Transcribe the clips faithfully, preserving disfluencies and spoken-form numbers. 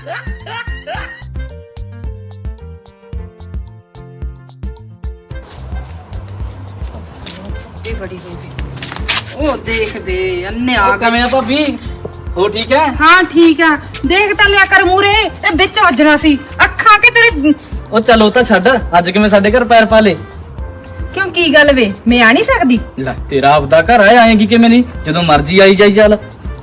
बड़ी हो गई ओ देख बे अन्ने आ किवें आ भाभी हो ठीक है? हाँ ठीक है देख ता लिया कर मूरे ए विच वजना सी अखां के तेरे ओ चलो ता छड्ड अज किवें साडे घर पैर पा ले क्यों की गल वे मैं आ नहीं सकदी ले तेरा आपदा घर है आएगी किवें नहीं जदों मर्जी आई जाई चल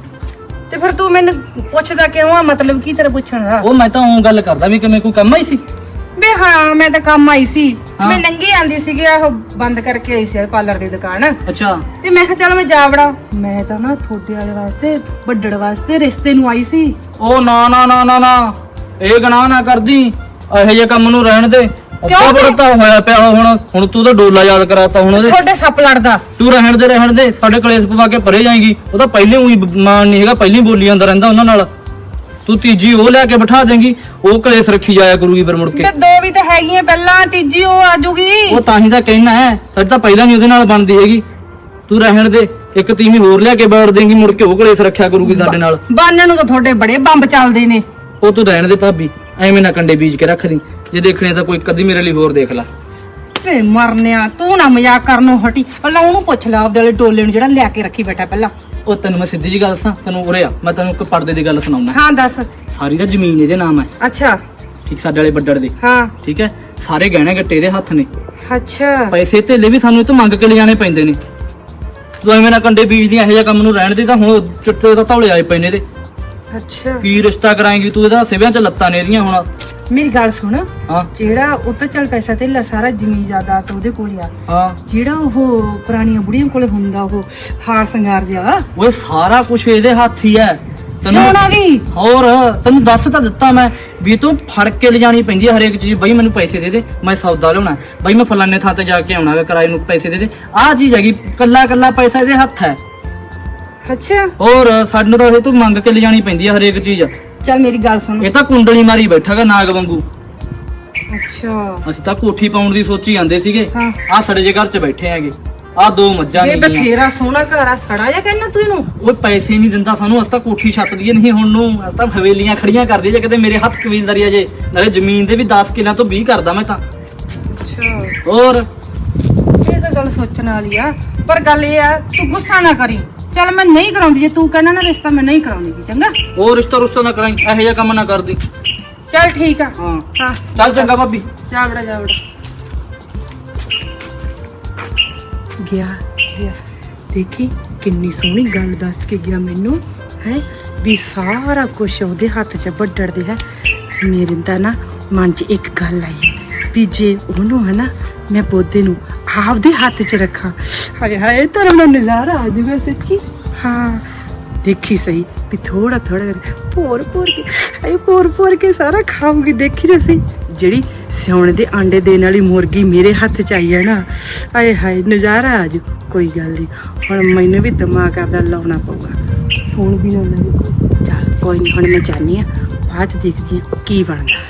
ते फिर तू मैनू पुछदा क्यों आ मतलब की तेरा पुछण दा ओ मैं तां ओं गल करदा भी किवें कोई काम आई सी बे हाँ मैं तो काम आई सी हाँ। मैं नंगी आंदी सी ਉਹ ਬੰਦ ਕਰਕੇ ਆਈ ਸੀ ਪਾਰਲਰ ਦੀ ਦੁਕਾਨ अच्छा ਤੇ ਮੈਂ ਕਿਹਾ ਚਲ ਮੈਂ ਜਾ ਵੜਾ ਮੈਂ ਤਾਂ ਨਾ ਥੋੜੇ ਵਾਲੇ ਵਾਸਤੇ ਵੱਡੜ ਵਾਸਤੇ ਰਿਸ਼ਤੇ ਨੂੰ ਆਈ ਸੀ ओ ना ना ना ना ना ਇਹ ਗਨਾਹ ਨਾ ਕਰਦੀ ਇਹੋ ਜਿਹੇ ਕੰਮ ਨੂੰ ਰਹਿਣ ਦੇ ਅੱਛਾ ਬੜਤਾ ਹੋਇਆ ਪਿਆ ਹੁਣ ਹੁਣ ਤੂੰ ਤਾਂ ਡੋਲਾ ਯਾਦ ਕਰਾਤਾ ਹੁਣ ਉਹਦੇ ਤੁਹਾਡੇ ਸੱਪ ਲੜਦਾ ਤੂੰ ਰਹਿਣ ਦੇ ਰਹਿਣ ਦੇ ਸਾਡੇ ਕਲੇਸ਼ ਪਵਾ ਕੇ ਪਰੇ ਜਾਏਗੀ ਉਹ ਤਾਂ ਪਹਿਲੇ ਉਹੀ ਮਾਨ ਨਹੀਂ ਹੈਗਾ ਪਹਿਲੇ ਬੋਲੀ ਜਾਂਦਾ ਰਹਿੰਦਾ ਉਹਨਾਂ ਨਾਲ ਤੂੰ ਤੀਜੀ ਉਹ ਲੈ ਕੇ ਬਿਠਾ ਦੇਂਗੀ ਉਹ ਕਲੇਸ਼ ਰੱਖੀ ਜਾਇਆ ਕਰੂਗੀ ਫਿਰ ਮੁੜ ਕੇ ਤੇ ਦੋ ਵੀ ਤਾਂ ਹੈਗੀਆਂ ਪਹਿਲਾਂ ਤੀਜੀ ਉਹ ਆਜੂਗੀ ਉਹ ਤਾਂ ਹੀ ਤਾਂ ਕਹਿਣਾ ਹੈ ਸਾਡੇ ਤਾਂ ਪਹਿਲਾਂ ਨਹੀਂ ਉਹਦੇ ਨਾਲ ਬਣਦੀ ਹੈਗੀ ਤੂੰ ਰਹਿਣ ਦੇ ਇੱਕ ਤੀਵੀਂ ਹੋਰ ਲਿਆ ਕੇ ਬੈਠ ਦੇਂਗੀ ਮੁੜ ਕੇ ਉਹ ਕਲੇਸ਼ ਰੱਖਿਆ ਕਰੂਗੀ ਸਾਡੇ ਨਾਲ ਬਾਨਣ ਨੂੰ ਤਾਂ ਤੁਹਾਡੇ ਬੜੇ ਬੰਬ ਚੱਲਦੇ ਨੇ ਉਹ ਤੂੰ ਰਹਿਣ ਦੇ ਭਾਬੀ ਐਵੇਂ ਨਾ ਕੰਡੇ ਬੀਜ ਕੇ ਰੱਖ ਦੀ ਜੇ ਦੇਖਣੇ ਤਾਂ ਕੋਈ ਕਦੀ ਮੇਰੇ ਲਈ ਹੋਰ ਦੇਖ ਲੈ ਵੇ ਮਰਨਿਆ ਤੂੰ ਨਾ ਮਜ਼ਾਕ ਕਰਨੋਂ ਹਟੀ ਪਹਿਲਾਂ ਉਹਨੂੰ ਪੁੱਛ ਲੈ ਆਪਦੇ ਵਾਲੇ ਡੋਲੇ ਨੂੰ ਜਿਹੜਾ ਲਿਆ ਕੇ ਰੱਖੀ ਬੈਠਾ ਪਹਿਲਾਂ ਉਹ ਤੈਨੂੰ ਮੈਂ ਸਿੱਧੀ ਜੀ ਗੱਲ ਦੱਸਾਂ ਤੈਨੂੰ ਉਰੇ ਆ ਮੈਂ ਤੈਨੂੰ ਇੱਕ ਪਰਦੇ ਦੀ ਗੱਲ ਸੁਣਾਉਣਾ ਹਾਂ ਦੱਸ ਸਾਰੀ ਦਾ ਜ਼ਮੀਨ ਇਹਦੇ ਨਾਮ ਹੈ ਅੱਛਾ ਠੀਕ ਸਾਡੇ ਵਾਲੇ ਵੱਡੜ ਦੇ ਹਾਂ ਠੀਕ ਹੈ ਸਾਰੇ ਗਹਿਣੇ ਗੱਟੇ ਇਹਦੇ ਹੱਥ ਨੇ ਅੱਛਾ ਪੈਸੇ ਧੇਲੇ ਵੀ ਸਾਨੂੰ ਇਹ ਤੋਂ ਮੰਗ ਕੇ ਲਿਜਾਣੇ ਪੈਂਦੇ ਨੇ ਤੂੰ ਐਵੇਂ ਨਾ ਕੰਡੇ ਬੀਜਦੀਆਂ ਇਹੋ ਜਿਹਾ ਕੰਮ ਨੂੰ ਰਹਿਣ ਦੇ ਤਾਂ ਹੁਣ ਚਿੱਟੇ ਤਾਂ ਧੌਲੇ ਆਏ ਪਏ ਨੇ ਇਹਦੇ ਅੱਛਾ ਕੀ ਰਿਸ਼ਤਾ ਕਰਾਏਂਗੀ ਤੂੰ ਇਹਦਾ ਸਿਵਿਆਂ 'ਚ ਲੱਤਾਂ ਨੇ ਇਹਦੀਆਂ ਹੁਣ ਮੇਰੀ ਗੱਲ ਸੁਣ ਹਾਂ ਜਿਹੜਾ ਉਹ ਤਾਂ ਚੱਲ ਪੈਸਾ ਤੇ ਸਾਰਾ ਜ਼ਮੀਨ ਜਾਇਦਾਦ ਉਹਦੇ ਕੋਲ ਆ ਹਾਂ ਜਿਹੜਾ ਉਹ ਪੁਰਾਣੀਆਂ ਬੁੜੀਆਂ ਕੋਲੇ ਹੁੰਦਾ ਉਹ ਹਾਰ ਸ਼ਿੰਗਾਰ ਜਿਹਾ ਓਏ ਸਾਰਾ ਕੁਝ ਇਹਦੇ ਹੱਥ ਹੀ ਹੈ ਸੋਨਾ ਵੀ ਹੋਰ ਤੈਨੂੰ ਦੱਸ ਤਾਂ ਦਿੱਤਾ ਮੈਂ ਵੀ ਤੂੰ ਫੜ ਕੇ ਲਿਜਾਣੀ ਪੈਂਦੀ ਹੈ ਹਰੇਕ ਚੀਜ਼ ਬਈ ਮੈਨੂੰ ਪੈਸੇ ਦੇ ਦੇ ਮੈਂ ਸੌਦਾ ਲਿਆਉਣਾ ਬਈ ਮੈਂ ਫਲਾਣੇ ਥਾਂ ਤੇ ਜਾ ਕੇ ਆਉਣਾ ਕਿਰਾਏ ਨੂੰ ਪੈਸੇ ਦੇ ਦੇ ਆਹ ਚੀਜ਼ ਹੈਗੀ ਕੱਲਾ ਕੱਲਾ ਪੈਸਾ ਇਹਦੇ ਹੱਥ ਹੈ ਅੱਛਾ ਹੋਰ ਸਾਨੂੰ ਤਾਂ ਇਹ ਤੂੰ ਮੰਗ ਕੇ ਲਿਜਾਣੀ ਪੈਂਦੀ ਹੈ ਹਰੇਕ ਚੀਜ਼ ਚੱਲ ਮੇਰੀ ਗੱਲ ਸੁਣ ਇਹ ਤਾਂ ਕੁੰਡਲੀ ਮਾਰੀ ਬੈਠਾਗਾ ਨਾਗ ਵਾਂਗੂ ਅੱਛਾ ਅਸੀਂ ਤਾਂ ਕੋਠੀ ਪਾਉਣ ਦੀ ਸੋਚੀ ਜਾਂਦੇ ਸੀਗੇ ਹਾਂ। ਆਹ ਸੜੇ ਜੇ ਘਰ 'ਚ ਬੈਠੇ ਹੈਗੇ ਆਹ ਦੋ ਮੱਝਾਂ ਇਹ ਨੇ ਬਥੇਰਾ ਸੋਹਣਾ ਘਰ ਆ ਸੜਾ ਜਾ ਕਹਿਣਾ ਤੂੰ ਇਹਨੂੰ ਉਹ ਪੈਸੇ ਨਹੀਂ ਦਿੰਦਾ ਸਾਨੂੰ ਅਸੀਂ ਤਾਂ ਕੋਠੀ ਛੱਤ ਦੀ ਨਹੀਂ ਹੁਣ ਨੂੰ ਅਸੀਂ ਤਾਂ ਹਵੇਲੀਆਂ ਖੜੀਆਂ ਕਰਦੀ ਜੇ ਕਿਤੇ ਮੇਰੇ ਹੱਥ ਕਬੀਲਦਾਰੀ ਆ ਜੇ ਨਾਲੇ ਜ਼ਮੀਨ ਦੇ ਵੀ ਦਸ ਕਿੱਲਿਆਂ ਤੋਂ ਵੀਹ ਕਰਦਾ ਮੈਂ ਤਾਂ ਅੱਛਾ ਹੋਰ ਇਹ ਤਾਂ ਗੱਲ ਸੋਚਣ ਵਾਲੀ ਆ ਪਰ ਗੱਲ ਇਹ ਆ ਤੂੰ ਗੁੱਸਾ ਨਾ ਕਰੀ ਚੱਲ ਮੈਂ ਨਹੀਂ ਕਰਾਉਂਦੀ ਜੇ ਤੂੰ ਕਹਿਣਾ ਨਾ ਰਿਸ਼ਤਾ ਮੈਂ ਨਹੀਂ ਕਰਾਉਂਦੀ ਚੰਗਾ ਉਹ ਰਿਸ਼ਤਾ ਰੁਸ਼ਤਾ ਨਾ ਕਰਾਈ ਇਹੋ ਜਿਹਾ ਕੰਮ ਨਾ ਕਰਦੀ ਚੱਲ ਠੀਕ ਆ ਹਾਂ ਹਾਂ ਚੱਲ ਚੰਗਾ ਭਾਬੀ ਜਾ ਬੜਾ ਜਾ ਬੜਾ ਗਿਆ ਗਿਆ ਦੇਖੀ ਕਿੰਨੀ ਸੋਹਣੀ ਗੱਲ ਦੱਸ ਕੇ ਗਿਆ ਮੈਨੂੰ ਹੈ ਵੀ ਸਾਰਾ ਕੁਝ ਉਹਦੇ ਹੱਥ 'ਚ ਵੱਡੜਦੇ ਹੈ ਮੇਰੇ ਤਾਂ ਨਾ ਮਨ 'ਚ ਇੱਕ ਗੱਲ ਆਈ ਵੀ ਜੇ ਉਹਨੂੰ ਹੈ ਨਾ ਮੈਂ ਪੌਦੇ ਨੂੰ ਆਪਦੇ ਹੱਥ 'ਚ ਰੱਖਾਂ ਹਾਏ ਹਾਏ ਤੇਰਾ ਨਾ ਨਜ਼ਾਰਾ ਆ ਜੂਗਾ ਸੱਚੀ ਹਾਂ ਦੇਖੀ ਸਹੀ ਵੀ ਥੋੜਾ ਥੋੜਾ ਪੋਰ ਪੋਰ ਕੇ ਹਾਏ ਪੋਰ ਪੋਰ ਕੇ ਸਾਰਾ ਖਾਊਗੀ ਦੇਖੀ ਨਾ ਸਹੀ ਜਿਹੜੀ ਸਿਉਣ ਦੇ ਆਂਡੇ ਦੇਣ ਵਾਲੀ ਮੁਰਗੀ ਮੇਰੇ ਹੱਥ 'ਚ ਆਈ ਹੈ ਨਾ ਹਾਏ ਹਾਏ ਨਜ਼ਾਰਾ ਆ ਜੂ ਕੋਈ ਗੱਲ ਨਹੀਂ ਹੁਣ ਮੈਨੂੰ ਵੀ ਦਿਮਾਗ ਆਪਦਾ ਲਾਉਣਾ ਪਊਗਾ ਸੌਣ ਵੀ ਨਾ ਲੱਗੇ ਚੱਲ ਕੋਈ ਨਹੀਂ ਹੁਣ ਮੈਂ ਜਾਣੀ ਆ ਬਾਅਦ 'ਚ ਦੇਖਦੀ ਆ ਕੀ ਬਣਦਾ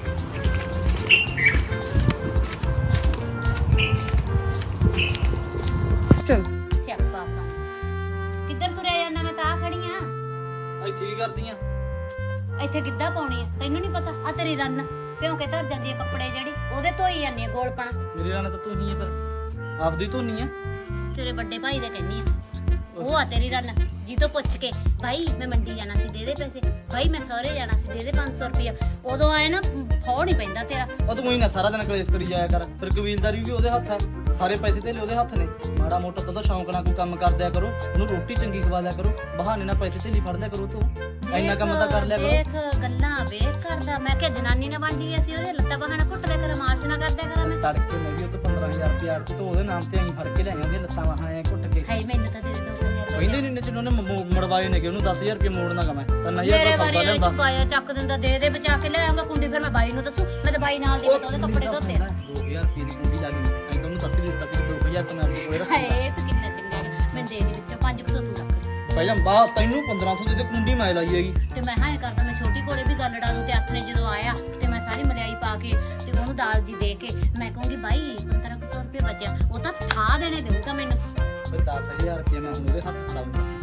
ਚਲ ਸਿਆਪਾ ਪਾ ਕਿੱਧਰ ਤੁਰਿਆ ਜਾਂਦਾ ਮੈਂ ਤਾਂ ਆ ਖੜੀ ਆ ਇੱਥੇ ਕੀ ਕਰਦੀ ਆ ਇੱਥੇ ਗਿੱਧਾ ਪਾਉਣੀ ਆ ਤੈਨੂੰ ਨਹੀਂ ਪਤਾ ਆ ਤੇਰੀ ਰੰਨ ਭਿਉਂ ਕੇ ਧਰ ਜਾਂਦੀ ਆ ਕੱਪੜੇ ਜਿਹੜੀ ਉਹਦੇ ਧੋਈ ਜਾਂਦੀ ਆ ਗੋਲਪਣ ਮੇਰੇ ਨਾਲ ਤਾਂ ਤੂੰ ਹੀ ਆ ਫਿਰ ਆਪਦੀ ਧੋਨੀ ਆ ਤੇਰੇ ਵੱਡੇ ਭਾਈ ਦੇ ਕਹਿੰਨੀ ਆ ਉਹ ਆ ਤੇਰੀ ਰੰਨ ਜੀ ਤੋਂ ਪੁੱਛ ਕੇ ਭਾਈ ਮੈਂ ਮੰਡੀ ਜਾਣਾ ਸੀ ਦੇ ਦੇ ਪੈਸੇ ਭਾਈ ਮੈਂ ਸਹੁਰੇ ਜਾਣਾ ਸੀ ਦੇ ਦੇ ਪੰਜ ਸੌ ਰੁਪਇਆ ਉਦੋਂ ਆਏ ਨਾ ਫੌੜ ਨਹੀਂ ਪੈਂਦਾ ਤੇਰਾ ਉਹ ਤੂੰ ਹੀ ਨਾ ਸਾਰਾ ਦਿਨ ਕਲੇਸ਼ ਕਰੀ ਜਾਇਆ ਕਰ ਫਿਰ ਕਬੀਲਦਾਰੀ ਵੀ ਉਹਦੇ ਹੱਥ ਹੈ ਸਾਰੇ ਪੈਸੇ ਤੇ ਉਹਦੇ ਹੱਥ ਨੇ ਮਾੜਾ ਮੋਟਾ ਤਾਂ ਸ਼ੌਂਕ ਨਾਲ ਕੋਈ ਕੰਮ ਕਰਦਿਆ ਕਰੋ ਉਹਨੂੰ ਰੋਟੀ ਚੰਗੀ ਖਵਾ ਦਿਆ ਕਰੋ ਬਹਾਨੇ ਨਾਲ ਪੈਸੇ ਤੇ ਲਈ ਫੜਦਿਆ ਕਰੋ ਤੂੰ ਇੰਨਾ ਕੰਮ ਤਾਂ ਕਰ ਲਿਆ ਕਰੋ ਦੇਖ ਗੱਲਾਂ ਵੇਖ ਕਰਦਾ ਮੈਂ ਕਿ ਜਨਾਨੀ ਨਾ ਬਣ ਜੀ ਅਸੀਂ ਉਹਦੇ ਲੱਤਾਂ ਬਹਾਨਾ ਘੁੱਟ ਦੇ ਕਰ ਮਾਰਸ਼ ਨਾ ਕਰਦਿਆ ਕਰਾਂ ਮੈਂ ਤੜਕੇ ਮੈਂ ਵੀ ਉਹ ਤੋਂ ਪੰਦਰਾਂ ਹਜ਼ਾਰ ਰੁਪਇਆ ਅਰਥ ਤੋਂ ਉਹਦੇ ਨਾਮ ਤੇ ਅਸੀਂ ਫੜ ਕੇ ਲੈ ਆਉਂਦੇ ਲੱਤਾਂ ਵਾਹਾਂ ਐ ਘੁੱਟ ਕੇ ਹਾਈ ਮੈਨੂੰ ਤਾਂ ਦੇ ਦੇ ਦੋ ਹਜ਼ਾਰ ਕਹਿੰਦੇ ਨਹੀਂ ਨਚਨ ਉਹਨੇ ਮ- ਮੜਵਾਏ ਨੇ ਕਿ ਉਹਨੂੰ ਦਸ ਹਜ਼ਾਰ ਰੁਪਏ ਮੋੜਨਾ ਗਾ ਮੈਂ ਤਾਂ ਨਹੀਂ ਮੇਰੇ ਹਜ਼ਾਰ ਵਾਰੀ ਸੌਦਾ ਇਹ ਲਿਆਂਦਾ ਚੁਕਾਇਆ ਚੱਕ ਦਿੰਦਾ ਦੇ ਦੇ ਬਚਾ ਕੇ ਲੈ ਆਉਂਗਾ ਕੁੰਡੀ ਫਿਰ ਮੈਂ ਬਾਈ ਨੂੰ ਦੱਸੂ ਮੈਂ ਤਾਂ ਬਾਈ ਨਾਲ ਦੀ ਪਤਾ ਉਹਦੇ ਕੱਪੜੇ ਧੋਤੇ ਦੋ ਹਜ਼ਾਰ ਰੁਪਏ ਦੀ ਕੁੰਡੀ ਲੱਗ ਗਈ ਐਂ ਤਾਂ ਉਹਨੂੰ ਦੱਸ ਵੀ ਦਿੱਤਾ ਸੀ ਦੋ ਹਜ਼ਾਰ ਤਾਂ ਮੈਂ ਆਪਣੇ ਕੋਲੇ ਰੱਖੂਗਾ ਹਾਏ ਤੂੰ ਕਿੰਨਾ ਚੰਗਾ ਹੈ ਮੈਂ ਦੇ ਦੇ ਵਿੱਚੋਂ ਪੰਜ ਸੌ ਤੂੰ ਰੱਖ ਭਾਈ ਜੰਬਾ ਤੈਨੂੰ ਪੰਦਰਾਂ ਸੌ ਦੇ ਦੇ ਕੁੰਡੀ ਮੈਂ ਲਾਈ ਹੈਗੀ ਤੇ ਮੈਂ ਹਾਂ ਇਹ ਕਰਦਾ ਮੈਂ ਛੋਟੀ ਕੋਲੇ ਵੀ ਗੱਲ ਡਾ ਦੂੰ ਤੇ ਹੱਥ ਨੇ ਜਦੋਂ ਆਇਆ ਤੇ ਮੈਂ ਸਾਰੀ ਮਲਾਈ ਪਾ ਕੇ ਤੇ ਉਹਨੂੰ ਦਾਲ ਜੀ ਦੇ ਕੇ ਮੈਂ ਕਹੂੰਗੀ ਬਾਈ ਪੰਦਰਾਂ ਸੌ ਰੁਪਏ ਬਚਿਆ ਉਹ ਤਾਂ ਠਾ ਦੇਣੇ ਦੇਊਗਾ ਮੈਨੂੰ ਫਿਰ ਦਸ ਹਜ਼ਾਰ ਰੁਪਏ ਮੈਂ ਉਹਦੇ ਹੱਥ ਫੜਾਉਂਗਾ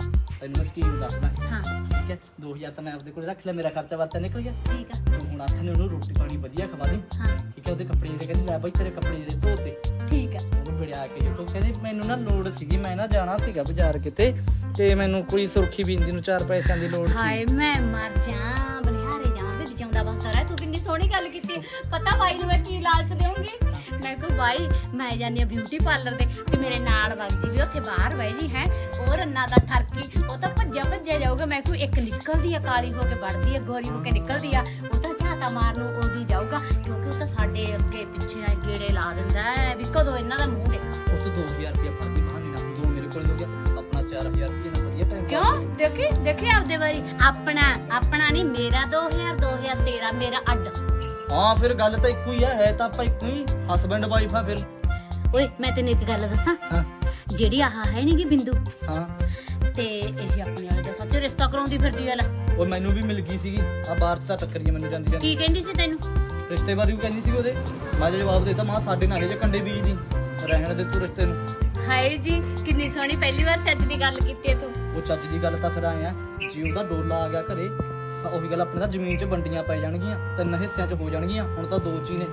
ਤੈਨੂੰ ਮੈਂ ਸਕੀਮ ਦੱਸਦਾ ਹਾਂ ਠੀਕ ਹੈ ਦੋ ਹਜ਼ਾਰ ਤਾਂ ਮੈਂ ਆਪਦੇ ਕੋਲ ਰੱਖ ਲਿਆ ਮੇਰਾ ਖਰਚਾ ਵਰਚਾ ਨਿਕਲ ਗਿਆ ਠੀਕ ਆ ਤੂੰ ਹੁਣ ਆਖਣ ਉਹਨੂੰ ਰੋਟੀ ਪਾਣੀ ਵਧੀਆ ਖਵਾ ਦੇ ਹਾਂ ਠੀਕ ਹੈ ਉਹਦੇ ਕੱਪੜੇ ਜਿਹੜੇ ਕਹਿੰਦੀ ਲੈ ਬਾਈ ਤੇਰੇ ਕੱਪੜੇ ਜਿਹੜੇ ਧੋਤੇ ਠੀਕ ਆ ਉਹਨੂੰ ਬੜਿਆ ਕੇ ਦੇਖੋ ਕਹਿੰਦੀ ਮੈਨੂੰ ਨਾ ਲੋੜ ਸੀਗੀ ਮੈਂ ਨਾ ਜਾਣਾ ਸੀਗਾ ਬਾਜ਼ਾਰ ਕਿਤੇ ਤੇ ਮੈਨੂੰ ਕੋਈ ਸੁਰਖੀ ਬਿੰਦੀ ਨੂੰ ਚਾਰ ਪੈਸਿਆਂ ਦੀ ਲੋੜ ਸੀ ਹਾਏ ਮੈਂ ਮਰ ਜਾ ਬਲਿਹਾਰੇ ਜਾਂਦੇ ਜਿਉਂਦਾ ਬਸ ਸਾਰਾ ਤੂੰ ਕਿੰਨੀ ਸੋਹਣੀ ਗੱਲ ਕੀਤੀ ਪਤਾ ਬਾਈ ਨੂੰ ਮੈਂ ਕੀ ਲਾਲਚ ਦੇਵਾਂਗੀ ਮੈਂ ਕਿਹਾ ਬਾਈ ਮੈਂ ਜਾਨੀ ਆ ਬਿਊਟੀ ਪਾਰਲਰ ਦੇ ਤੇ ਮੇਰੇ ਨਾਲ ਵਗ ਜੀ ਵੀ ਉੱਥੇ ਬਾਹਰ ਬਹਿ ਜੀ ਹੈ ਉਹ ਰੰਨਾ ਦਾ ਠਰਕੀ ਉਹ ਤਾਂ ਭੱਜਿਆ ਭੱਜਿਆ ਜਾਊਗਾ ਮੈਂ ਕੋਈ ਇੱਕ ਨਿਕਲਦੀ ਆ ਕਾਲੀ ਹੋ ਕੇ ਵੜਦੀ ਆ ਗੋਰੀ ਹੋ ਕੇ ਨਿਕਲਦੀ ਆ ਉਹ ਤਾਂ ਝਾਤਾ ਮਾਰ ਨੂੰ ਉਹਦੀ ਜਾਊਗਾ ਕਿਉਂਕਿ ਉਹ ਤਾਂ ਸਾਡੇ ਅੱਗੇ ਪਿੱਛੇ ਆ ਗੇੜੇ ਲਾ ਦਿੰਦਾ ਹੈ ਵੀ ਕਦੋਂ ਇਹਨਾਂ ਦਾ ਮੂੰਹ ਦੇਖਾਂ ਉਹ ਤੋਂ ਦੋ ਹਜ਼ਾਰ ਰੁਪਇਆ ਫੜ ਕੇ ਬਹਾਨੇ ਨਾਲ ਦੋ ਮੇਰੇ ਕੋਲ ਹੋ ਗਿਆ ਆਪਣਾ ਚਾਰ ਹਜ਼ਾਰ ਰੁਪਇਆ ਨਾਲ ਵਧੀਆ ਟਾਈਮ ਕਿਉਂ ਦੇਖੀ ਦੇਖੀ ਆਪਦੇ ਵਾਰੀ ਆਪਣਾ ਆਪਣਾ ਨਹੀਂ ਮੇਰਾ ਦੋ ਹਜ਼ਾਰ ਦੋ ਹਜ਼ਾਰ ਤੇਰਾ ਮੇਰਾ ਅੱਡ ਹਾਂ ਫਿਰ ਗੱਲ ਤਾਂ ਇੱਕੋ ਹੀ ਆ ਹੈ ਤਾਂ ਆਪਾਂ ਇੱਕੋ ਹੀ ਹਸਬੈਂਡ ਵਾਈਫ ਆ ਫਿਰ ਓਏ ਮੈਂ ਤੈਨੂੰ ਇੱਕ ਗੱਲ ਦੱਸਾਂ ਹਾਂ ਜਿਹੜੀ ਆਹ ਹੈ ਨੀ ਗੀ ਬਿੰਦੂ ਹਾਂ ਤੇ ਇਹ ਆਪਣੇ ਵਾਲੇ ਦਾ ਸੱਚ ਰਿਸ਼ਤਾ ਕਰਾਉਂਦੀ ਫਿਰਦੀ ਆ ਲੈ ਉਹ ਮੈਨੂੰ ਵੀ ਮਿਲ ਗਈ ਸੀਗੀ ਆ ਬਾਹਰ ਤਾਂ ਟੱਕਰੀ ਮੈਨੂੰ ਜਾਂਦੀ ਜਾਂਦੀ ਕੀ ਕਹਿੰਦੀ ਸੀ ਤੈਨੂੰ ਰਿਸ਼ਤੇ ਬਾਰੇ ਵੀ ਕਹਿੰਦੀ ਸੀ ਉਹਦੇ ਮੈਂ ਜੇ ਜਵਾਬ ਦੇਤਾ ਮਾਂ ਸਾਡੇ ਨਾਲ ਇਹ ਜੇ ਕੰਡੇ ਬੀਜ ਦੀ ਰਹਿਣ ਦੇ ਤੂੰ ਰਿਸ਼ਤੇ ਨੂੰ ਹਾਏ ਜੀ ਕਿੰਨੀ ਸੋਹਣੀ ਪਹਿਲੀ ਵਾਰ ਚੱਜ ਦੀ ਗੱਲ ਕੀਤੀ ਹੈ ਤੂੰ ਉਹ ਚੱਜ ਦੀ ਗੱਲ ਤਾਂ ਫਿਰ ਆਏ ਆ ਜੇ ਉਹਦਾ ਡੋਲਾ ਆ ਗਿਆ ਘਰੇ ਤਾਂ ਉਹੀ ਗੱਲ ਆਪਣੇ ਤਾਂ ਜ਼ਮੀਨ 'ਚ ਵੰਡੀਆਂ ਪੈ ਜਾਣਗੀਆਂ ਤਿੰਨ ਹਿੱਸਿਆਂ 'ਚ ਹੋ ਜਾਣਗੀਆਂ ਹੁਣ ਤਾਂ ਦੋ 'ਚ ਹੀ ਨੇ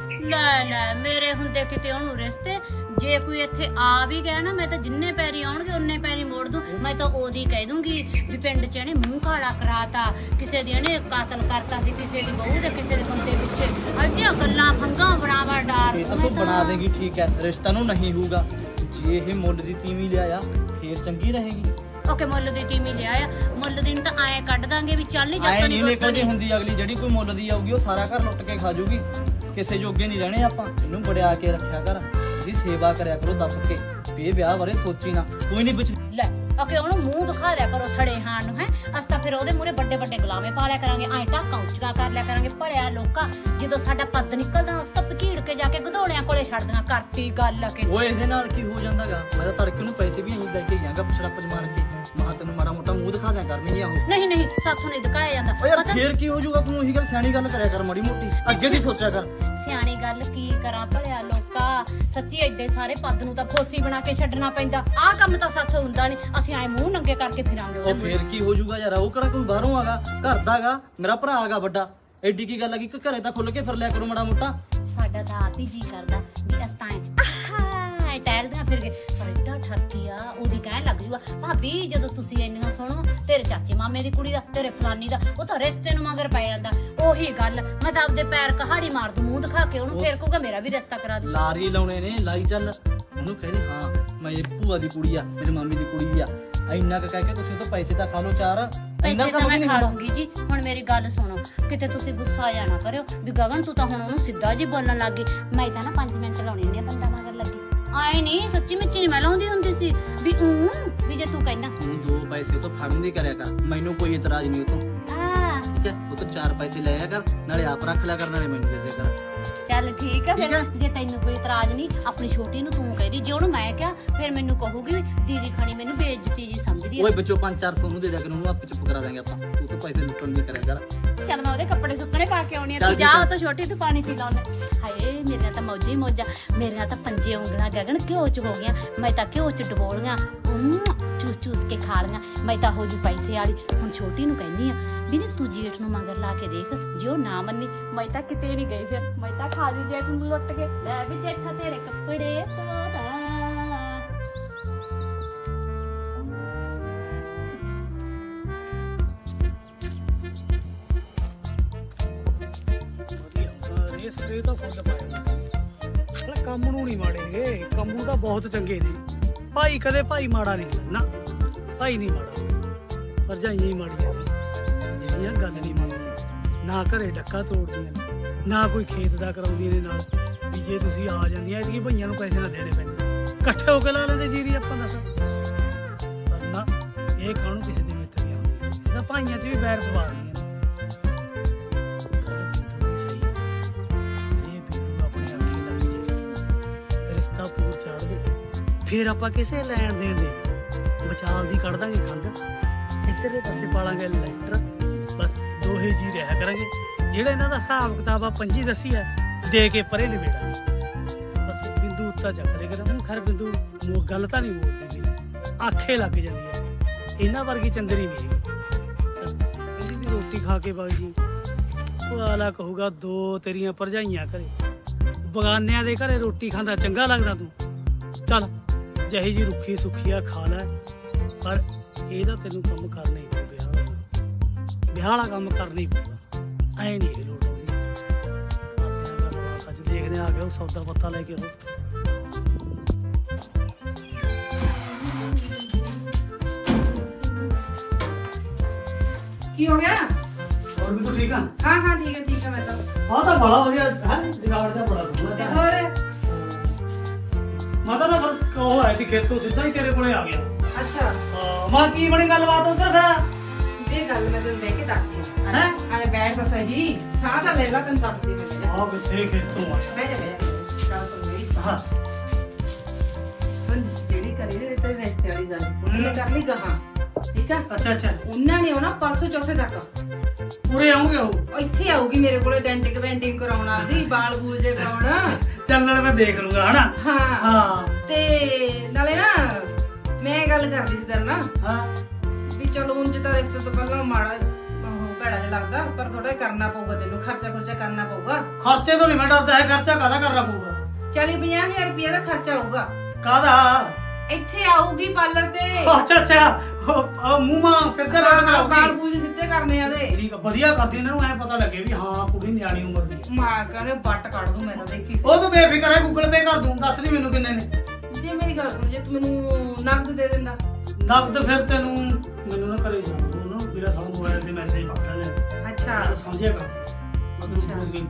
ਲੈ ਲੈ ਮੇਰੇ ਹੁੰਦੇ ਕਿਤੇ ਉਹਨੂੰ ਰਿਸ਼ਤੇ ਜੇ ਕੋਈ ਇੱਥੇ ਆ ਵੀ ਗਿਆ ਨਾ ਮੈਂ ਤਾਂ ਜਿੰਨੇ ਪੈਰੀ ਆਉਣਗੇ ਉਹਨੇ ਪੈਰੀ ਮੋੜ ਦੂੰ ਮੈਂ ਤਾਂ ਉਹਦੀ ਕਹਿ ਦੂੰਗੀ ਵੀ ਪਿੰਡ 'ਚ ਇਹਨੇ ਮੂੰਹ ਕਾਲਾ ਕਰਾਤਾ ਕਿਸੇ ਦੀ ਇਹਨੇ ਕਾਤਲ ਕਰਤਾ ਸੀ ਕਿਸੇ ਦੀ ਬਹੂ ਦੇ ਕਿਸੇ ਦੇ ਬੰਦੇ ਪਿੱਛੇ ਅੱਡੀਆਂ ਗੱਲਾਂ ਫੰਗਾਂ ਬਣਾਵਾ ਡਾਰ ਇਹ ਤਾਂ ਤੂੰ ਬਣਾ ਦੇਗੀ ਠੀਕ ਹੈ ਰਿਸ਼ਤਾ ਨੂੰ ਨਹੀਂ ਹੋਊਗਾ ਜੇ ਇਹ ਮੁੱਲ ਦੀ ਤੀਵੀਂ ਲਿਆਇਆ ਫੇਰ ਚੰਗੀ ਰਹੇਗੀ ਓਕੇ ਮੁੱਲ ਦੀ ਟੀਮੀ ਲਿਆ ਆ ਮੁੱਲ ਦੀ ਨੂੰ ਤਾਂ ਐਂ ਕੱਢ ਦਾਂਗੇ ਵੀ ਚੱਲ ਨਹੀਂ ਐ ਜਾਂਦਾ ਨਹੀਂ ਨਿਕਲਦੀ ਹੁੰਦੀ ਅਗਲੀ ਜਿਹੜੀ ਕੋਈ ਮੁੱਲ ਦੀ ਆਊਗੀ ਉਹ ਸਾਰਾ ਘਰ ਲੁੱਟ ਕੇ ਖਾ ਜੂਗੀ ਕਿਸੇ ਜੋਗੇ ਨਹੀਂ ਰਹਿਣੇ ਆਪਾਂ ਇਹਨੂੰ ਬੜਿਆ ਕੇ ਰੱਖਿਆ ਕਰ ਇਹਦੀ ਸੇਵਾ ਕਰਿਆ ਕਰੋ ਦੱਬ ਕੇ ਵੀ ਇਹ ਵਿਆਹ ਬਾਰੇ ਸੋਚੀ ਨਾ ਕੋਈ ਨਹੀਂ ਵਿੱਚ ਲੈ ਓਕੇ ਉਹਨੂੰ ਮੂੰਹ ਦਿਖਾ ਦਿਆ ਕਰੋ ਸੜੇ ਹਾਂ ਨੂੰ ਹੈ ਅਸ ਤਾਂ ਫਿਰ ਉਹਦੇ ਮੂਰੇ ਵੱਡੇ ਵੱਡੇ ਗੁਲਾਮੇ ਪਾ ਲਿਆ ਕਰਾਂਗੇ ਐਂ ਢਾਕਾਂ ਉੱਚੀਆਂ ਕਰ ਲਿਆ ਕਰਾਂਗੇ ਭੜਿਆ ਲੋਕਾਂ ਜਦੋਂ ਸਾਡਾ ਪੱਦ ਨਿਕਲਦਾ ਉਸ ਤਾਂ ਪਚੀੜ ਕੇ ਜਾ ਕੇ ਗਧੋਲਿਆਂ ਕੋਲੇ ਛੱਡਦੀਆਂ ਕਰਤੀ ਗੱਲ ਕਿ ਓਏ ਇਹਦੇ ਨਾਲ ਕੀ ਹੋ ਜਾਂਦਾਗਾ ਮੈਂ ਤਾਂ ਤੜਕੇ ਨੂੰ ਪੈਸੇ ਵੀ ਐਂ ਲੈ ਕੇ ਗਿਆਗਾ ਪਛੜਾਪਜ ਮਾਰ ਕੇ ਮਾਂ ਤੈਨੂੰ ਮਾੜਾ ਮੋਟਾ ਮੂੰਹ ਦਿਖਾ ਦਿਆ ਕਰਨਗੀਆਂ ਉਹ ਨਹੀਂ ਨਹੀਂ ਸਾਥੋਂ ਨਹੀਂ ਦਿਖਾਇਆ ਜਾਂਦਾ ਓ ਯਾਰ ਪਤਾ ਫੇਰ ਕੀ ਹੋ ਜਾਊਗਾ ਤੂੰ ਉਹੀ ਗੱਲ ਸਿਆਣੀ ਗੱਲ ਕਰਿਆ ਕਰ ਮਾੜੀ ਮੋਟੀ ਅੱਗੇ ਦੀ ਸੋਚਿਆ ਕਰ ਸਿਆਣੀ ਗੱਲ ਕੀ ਕਰਾਂ ਭਲਿਆ ਲੋਕਾ ਸੱਚੀ ਐਡੇ ਸਾਰੇ ਪੱਦ ਨੂੰ ਤਾਂ ਫੋਸੀ ਬਣਾ ਕੇ ਛੱਡਣਾ ਪੈਂਦਾ ਆਹ ਕੰਮ ਤਾਂ ਸਾਥੋਂ ਹੁੰਦਾ ਨਹੀਂ ਅਸੀਂ ਐ ਮੂੰਹ ਨੰਗੇ ਕਰਕੇ ਫਿਰਾਂਗੇ ਉਹ ਫੇਰ ਕੀ ਹੋ ਜਾਊਗਾ ਯਾਰ ਉਹ ਕਿਹੜਾ ਕੋਈ ਬਾਹਰੋਂ ਆਗਾ ਘਰ ਦਾਗਾ ਮੇਰਾ ਭਰਾ ਆਗਾ ਵੱਡਾ ਐਡੀ ਕੀ ਗੱਲ ਆ ਕਿ ਘਰੇ ਤਾਂ ਖੁੱਲ ਕੇ ਫਿਰ ਲਿਆ ਕਰੋ ਮਾੜਾ ਮੋਟਾ ਸਾਡਾ ਤਾਂ ਆਪ ਹੀ ਜੀ ਕਰਦਾ ਵੀ ਅਸਤਾਂ ਆਹ ਟਹਿਲਦਾ ਫਿਰ ਕੇ ਪਰ ਏਡਾ ਠਰਕੀ ਆ ਉਹਦੀ ਕਹਿਣ ਲੱਗ ਜੂਗਾ ਭਾਬੀ ਜਦੋਂ ਤੁਸੀਂ ਇੰਨੀਆਂ ਸੁਣੋ ਤੇਰੇ ਚਾਚੇ ਮਾਮੇ ਦੀ ਕੁੜੀ ਦਾ ਤੇਰੇ ਫਲਾਨੀ ਦਾ ਉਹ ਤਾਂ ਰਿਸ਼ਤੇ ਨੂੰ ਮਗਰ ਪੈ ਜਾਂਦਾ ਉਹੀ ਗੱਲ ਮੈਂ ਤਾਂ ਆਪਦੇ ਪੈਰ ਕਹਾੜੀ ਮਾਰ ਦੂੰ ਮੂੰਹ ਦਿਖਾ ਕੇ ਉਹਨੂੰ ਫੇਰ ਕਹੂਗਾ ਮੇਰਾ ਵੀ ਰਿਸ਼ਤਾ ਕਰਾ ਦੇ ਲਾਰੀ ਲਾਉਣੇ ਨੇ ਲਾਈ ਚੱਲ ਉਹਨੂੰ ਕਹਿੰਦੇ ਹਾਂ ਮੈਂ ਇਹ ਭੂਆ ਦੀ ਕੁੜੀ ਆ ਮੇਰੀ ਮਾਮੀ ਦੀ ਕੁੜੀ ਆ ਇੰਨਾ ਕੁ ਕਹਿ ਕੇ ਤੁਸੀਂ ਤਾਂ ਪੈਸੇ ਤਾਂ ਖਾ ਲਓ ਚਾਰ ਪੈਸੇ ਤਾਂ ਮੈਂ ਖਾ ਲੂੰਗੀ ਜੀ ਹੁਣ ਮੇਰੀ ਗੱਲ ਸੁਣੋ ਕਿਤੇ ਤੁਸੀਂ ਗੁੱਸਾ ਆ ਨਾ ਕਰਿਓ ਵੀ ਗਗਨ ਤੂੰ ਤਾਂ ਹੁਣ ਉਹਨੂੰ ਸਿੱਧਾ ਜੀ ਬੋਲਣ ਲੱਗ ਗਈ ਮੈਂ ਤਾਂ ਨਾ ਪੰਜ ਮਿੰਟ ਲਾਉਣੇ ਹੁੰਦੇ ਆ ਬੰਦਾ ਮਗਰ ਲੱਗੀ ਆਏ ਨਹੀਂ ਸੱਚੀ ਮਿੱਚੀ ਨਹੀਂ ਮੈਂ ਲਾਉਂਦੀ ਹੁੰਦੀ ਸੀ ਵੀ ਉਹ ਵੀ ਜੇ ਤੂੰ ਕਹਿੰਦਾ ਤੂੰ ਦੋ ਪੈਸੇ ਉਹ ਤੋਂ ਫੜਨ ਦੀ ਕਰਿਆ ਕਰ ਮੈਨੂੰ ਕੋਈ ਇਤਰਾਜ਼ ਨਹੀਂ ਉਹ ਤੋਂ ਹਾਂ ਠੀਕ ਹੈ ਉਹ ਤੋਂ ਚਾਰ ਪੈਸੇ ਲਿਆ ਕਰ ਨਾਲੇ ਆਪ ਰੱਖ ਲਿਆ ਕਰ ਨਾਲੇ ਮੈਨੂੰ ਦੇ ਦਿਆ ਕਰ ਚੱਲ ਠੀਕ ਆ ਫਿਰ ਠੀਕ ਆ। ਜੇ ਤੈਨੂੰ ਕੋਈ ਇਤਰਾਜ਼ ਨਹੀਂ ਆਪਣੀ ਛੋਟੀ ਨੂੰ ਤੂੰ ਕਹਿਦੀ ਜੇ ਉਹਨੂੰ ਮੈਂ ਕਿਹਾ ਫਿਰ ਮੈਨੂੰ ਕਹੂਗੀ ਦੀਦੀ ਖਾਣੀ ਮੈਨੂੰ ਬੇਇੱਜ਼ਤੀ ਜੀ ਸਮਝਦੀ ਆ ਓਏ ਬੱਚੋ ਪੰਜ ਚਾਰ ਸੌ ਨੂੰ ਦੇ ਦਿਆ ਕਰ ਉਹਨੂੰ ਆਪੇ ਚੁੱਪ ਕਰਾ ਦਾਂਗੇ ਆਪਾਂ ਤੂੰ ਤੋਂ ਪੈਸੇ ਲੁੱਟਣ ਨਹੀਂ ਕਰਿਆ ਕਰ ਚੱਲ ਮੈਂ ਉਹਦੇ ਕੱਪੜੇ ਸੁੱਕਣੇ ਪਾ ਕੇ ਆਉਣੀ ਆ ਚੱਲ ਤੂੰ ਜਾ ਠੀਕ ਆ। ਉਹ ਤਾਂ ਛੋਟੀ ਤੂੰ ਪਾਣੀ ਪੀ ਲਾਉਂਦਾ ਹਾਏ ਮੇਰੇ ਨਾਲ ਤਾਂ ਮੌਜਾਂ ਹੀ ਮੌਜਾਂ ਮੇਰੇ ਨਾਲ ਤਾਂ ਪੰਜੇ ਉਂਗਲਾਂ ਗਗਨ ਘਿਓ ਚ ਹੋ ਗਈਆਂ ਮੈਂ ਤਾਂ ਘਿਓ ਚ ਡਬੋਲੀਆਂ ਚੂਸ ਚੂਸ ਕੇ ਖਾ ਲੀਆਂ ਮੈਂ ਤਾਂ ਹੋ ਜੂ ਪੈਸੇ ਵਾਲੀ ਹੁਣ ਛੋਟੀ ਨੂੰ ਕਹਿੰਦੀ ਆ ਵੀ ਨੀ ਤੂੰ ਜੇਠ ਨੂੰ ਮਗਰ ਲਾ ਕੇ ਦੇਖ ਜੇ ਉਹ ਨਾ ਮੰਨੀ ਮੈਂ ਤਾਂ ਕਿਤੇ ਨਹੀਂ ਗਈ ਫਿਰ ਮੈਂ ਤਾਂ ਖਾ ਲਈ ਜੇਠ ਨੂੰ ਲੁੱਟ ਕੇ ਲੈ ਵੀ ਜੇਠਾ ਤੇਰੇ ਕੱਪੜੇ ਧੋਦਾ ਇਹ ਸਪਰੇ ਤਾਂ ਫੁੱਲ ਪਾਇਆ ਕੰਮ ਨੂੰ ਨਹੀਂ ਮਾੜੇਗੇ ਕੰਮ ਨੂੰ ਤਾਂ ਬਹੁਤ ਚੰਗੇ ਨੇ ਭਾਈ ਕਦੇ ਭਾਈ ਮਾੜਾ ਨਹੀਂ ਹੁੰਦਾ ਨਾ ਭਾਈ ਨਹੀਂ ਮਾੜਾ ਭਰਜਾਈਆਂ ਹੀ ਮਾੜੀਆਂ ਨੇ ਜਿਹੜੀਆਂ ਗੱਲ ਨਹੀਂ ਮੰਨਦੀਆਂ ਨਾ ਘਰੇ ਡੱਕਾ ਤੋੜਦੀਆਂ ਨੇ ਨਾ ਕੋਈ ਖੇਤ ਦਾ ਕਰਾਉਂਦੀਆਂ ਨੇ ਨਾਲ ਵੀ ਜੇ ਤੁਸੀਂ ਆ ਜਾਂਦੀਆਂ ਇਹਦੀਆਂ ਭਈਆਂ ਨੂੰ ਪੈਸੇ ਨਾ ਦੇਣੇ ਪੈਂਦੇ ਇਕੱਠੇ ਹੋ ਕੇ ਲਾ ਲੈਂਦੇ ਜੀਰੀ ਆਪਾਂ ਦੱਸ ਪਰ ਨਾ ਇਹ ਖਾਣੂ ਕਿਸੇ ਦੇ ਮਿੱਤਰ ਦੀਆਂ ਹੁੰਦੀਆਂ ਇਹਦਾ ਭਾਈਆਂ 'ਚ ਵੀ ਬੈਰ ਪਵਾ ਰਹੀਆਂ ਨੇ ਰਿਸ਼ਤਾ ਪੂਰ ਚਾੜ ਦੇ ਫਿਰ ਆਪਾਂ ਕਿਸੇ ਲੈਣ ਦੇਣ ਦੇ ਬਚਾਲ ਦੀ ਕੱਢ ਦਾਂਗੇ ਖੰਡ ਇੱਧਰਲੇ ਪਾਸੇ ਪਾਲਾਂਗੇ ਲੈਟਰ ਬਸ ਦੋਹੇ ਜੀ ਰਹਿ ਕਰਾਂਗੇ ਜਿਹੜਾ ਇਹਨਾਂ ਦਾ ਹਿਸਾਬ ਕਿਤਾਬ ਆ ਪੰਜੀ ਦੱਸੀ ਹੈ ਦੇ ਕੇ ਪਰੇ ਨਿਬੇੜਾ ਬਸ ਬਿੰਦੂ ਉੱਤਾ ਚੱਕ ਦੇ ਕਰਾਂ ਹੁਣ ਖਰ ਬਿੰਦੂ ਮੋ ਗੱਲ ਤਾਂ ਨਹੀਂ ਮੋੜਦੀ ਆਖੇ ਲੱਗ ਜਾਂਦੀ ਹੈ ਇਹਨਾਂ ਵਰਗੀ ਚੰਦਰੀ ਨਹੀਂ ਹੈਗੀ। ਕਹਿੰਦੀ ਵੀ ਰੋਟੀ ਖਾ ਕੇ ਵਗ ਜੀ, ਉਹ ਆਲਾ ਕਹੂਗਾ ਦੋ ਤੇਰੀਆਂ ਭਰਜਾਈਆਂ ਘਰੇ, ਬਗਾਨਿਆਂ ਦੇ ਘਰੇ ਰੋਟੀ ਖਾਂਦਾ ਚੰਗਾ ਲੱਗਦਾ ਤੂੰ? ਚੱਲ ਜਿਹੀ ਜੀ ਰੁੱਖੀ ਸੁੱਖੀ ਆ ਖਾ ਲੈ, ਪਰ ਇਹਦਾ ਤੈਨੂੰ ਕੰਮ ਕਰਨਾ ਹੀ ਪਊ। ਵਿਆਹ ਵਾਲਾ ਵਿਆਹ ਵਾਲਾ ਕੰਮ ਕਰਨਾ ਹੀ ਪਊਗਾ, ਐ ਨਹੀਂ ਇਹ ਲੋੜ ਆਉਂਦੀ। ਕਰਦੇ ਆ ਗੱਲਬਾਤ, ਅੱਜ ਦੇਖਦੇ ਆ, ਆ ਗਿਆ ਉਹ ਸੌਦਾ ਪੱਤਾ ਲੈ ਕੇ ਉਹ। ਕੀ ਹੋ ਗਿਆ? ਹੋਰ ਵੀ ਤੂੰ ਠੀਕ ਆ? ਹਾਂ ਹਾਂ ਠੀਕ ਹੈ ਠੀਕ ਹੈ ਮੈਂ ਤਾਂ। ਹਾਂ ਤਾਂ ਬੜਾ ਵਧੀਆ ਹੈ, ਜਗਾੜ ਦਾ ਬੜਾ ਸੋਹਣਾ ਤੇ ਹੈ। ਹੋਰ ਮੈਂ ਤਾਂ ਨਾ ਫਿਰ ਉਹ ਆਇਆ ਸੀ ਖੇਤੋਂ, ਸਿੱਧਾ ਹੀ ਤੇਰੇ ਕੋਲੇ ਆ ਗਿਆ। ਅੱਛਾ ਹਾਂ ਮਾਂ ਕੀ ਬਣੀ ਗੱਲਬਾਤ ਉੱਧਰ ਫਿਰ? ਇਹ ਗੱਲ ਮੈਂ ਤੈਨੂੰ ਬਹਿ ਕੇ ਦੱਸਦੀ ਹਾਂ। ਹੈਂ? ਆਲੇ ਬੈਠ ਤਾਂ ਸਹੀ, ਸਾਹ ਤਾਂ ਲੈ ਲਾ, ਤੈਨੂੰ ਦੱਸਦੀ ਮੈਂ। ਆ ਕਿੱਥੇ ਖੇਤੋਂ ਆਇਆ? ਬਹਿ ਜਾ ਬਹਿ ਜਾ, ਗੱਲ ਸੁਣ ਮੇਰੀ। ਹਾਂ ਹੁਣ ਜਿਹੜੀ ਕਰੀ ਤੇ ਤੇਰੇ ਰਿਸ਼ਤੇ ਵਾਲੀ ਗੱਲ ਉਹਨੇ ਕਰ ਲਈ ਗਾਹਾਂ, ਠੀਕ ਆ? ਅੱਛਾ ਅੱਛਾ, ਉਹਨਾਂ ਨੇ ਆਉਣਾ ਪਰਸੋਂ ਚੌਥੇ ਤੱਕ। ਪੂਰੇ ਆਉਂਗੇ ਉਹ? ਉਹ ਇੱਥੇ ਆਊਗੀ ਮੇਰੇ ਕੋਲੇ, ਡੈਂਟਿਕ ਵੈਂਟਿੰਗ ਕਰਾਉਣਾ ਦੀ, ਵਾਲ ਬੂਲ ਜੇ ਕਰਾਉਣਾ। ਚੱਲ ਨਾਲ ਮੈਂ ਦੇਖ ਲੂੰਗਾ ਹਨਾ। ਹਾਂ ਹਾਂ ਤੇ ਨਾਲੇ ਨਾ ਮੈਂ ਗੱਲ ਕਰਦੀ ਸੀ ਤੇਰੇ ਨਾਲ ਹਾਂ ਵੀ ਚਲੋ ਉਂਝ ਤਾਂ ਰਿਸ਼ਤੇ ਤੋਂ ਪਹਿਲਾਂ ਮਾੜਾ ਉਹ ਭੈੜਾ ਜਿਹਾ ਲੱਗਦਾ, ਪਰ ਥੋੜਾ ਕਰਨਾ ਪਊਗਾ, ਤੈਨੂੰ ਖਰਚਾ ਖਰਚਾ ਕਰਨਾ ਪਊਗਾ। ਖਰਚੇ ਤੋਂ ਨਹੀਂ ਮੈਂ ਡਰਦਾ ਹੈ, ਖਰਚਾ ਕਾਹਦਾ ਕਰਨਾ ਪਊਗਾ? ਚਾਲੀ ਪੰਜਾਹ ਹਜ਼ਾਰ ਰੁਪਏ ਦਾ ਖਰਚਾ ਆਊਗਾ। ਕਾਹਦਾ? ਇੱਥੇ ਆਊਗੀ ਪਾਰਲਰ ਤੇ। ਅੱਛਾ ਅੱਛਾ, ਉਹ- ਉਹ ਮੂੰਹ ਮਾਂ ਸਿਰ ਤੇ ਲੱਗ ਵਾਲ ਕਰਾਉਗੀ। ਬੂਲ ਸਿੱਧੇ ਕਰਨੇ ਆ ਉਹਦੇ। ਠੀਕ ਆ, ਵਧੀਆ ਕਰਦੀ, ਇਹਨਾਂ ਨੂੰ ਐ ਪਤਾ ਲੱਗੇ ਵੀ ਹਾਂ ਕੁੜੀ ਨਿਆਣੀ ਉਮਰ ਦੀ ਹੈ। ਮਾਂ ਕਹਿੰਦੇ ਬੱਟ ਕੱਢ ਦੂੰ ਮੈਂ ਤਾਂ, ਦੇਖੀ ਉਹ ਤੂੰ ਬੇਫਿਕਰ ਹੈ, ਗੂਗਲ ਪੇ ਕਰ ਦੂੰ, ਦੱਸ ਨਹੀਂ ਮੈਨੂੰ ਕਿੰਨੇ ਨੇ। ਜੇ ਮੇਰੀ ਗੱਲ ਸੁਣ, ਜੇ ਤੂੰ ਮੈਨੂੰ ਨਕਦ ਦੇ ਦਿੰਦਾ। ਨਕਦ ਫਿਰ ਤੈਨੂੰ ਮੈਨੂੰ ਨਾ ਕਰੇ ਜਾਣ ਦੋ ਨਾ, ਮੇਰਾ ਸਾਰਾ ਮੋਬਾਈਲ ਤੇ ਮੈਸੇਜ ਪੱਕਾ ਲੈ। ਅੱਛਾ ਮੈਂ ਸਮਝਿਆ ਕਰ, ਮੈਂ ਤੈਨੂੰ ਪੁੱਛ ਗਈ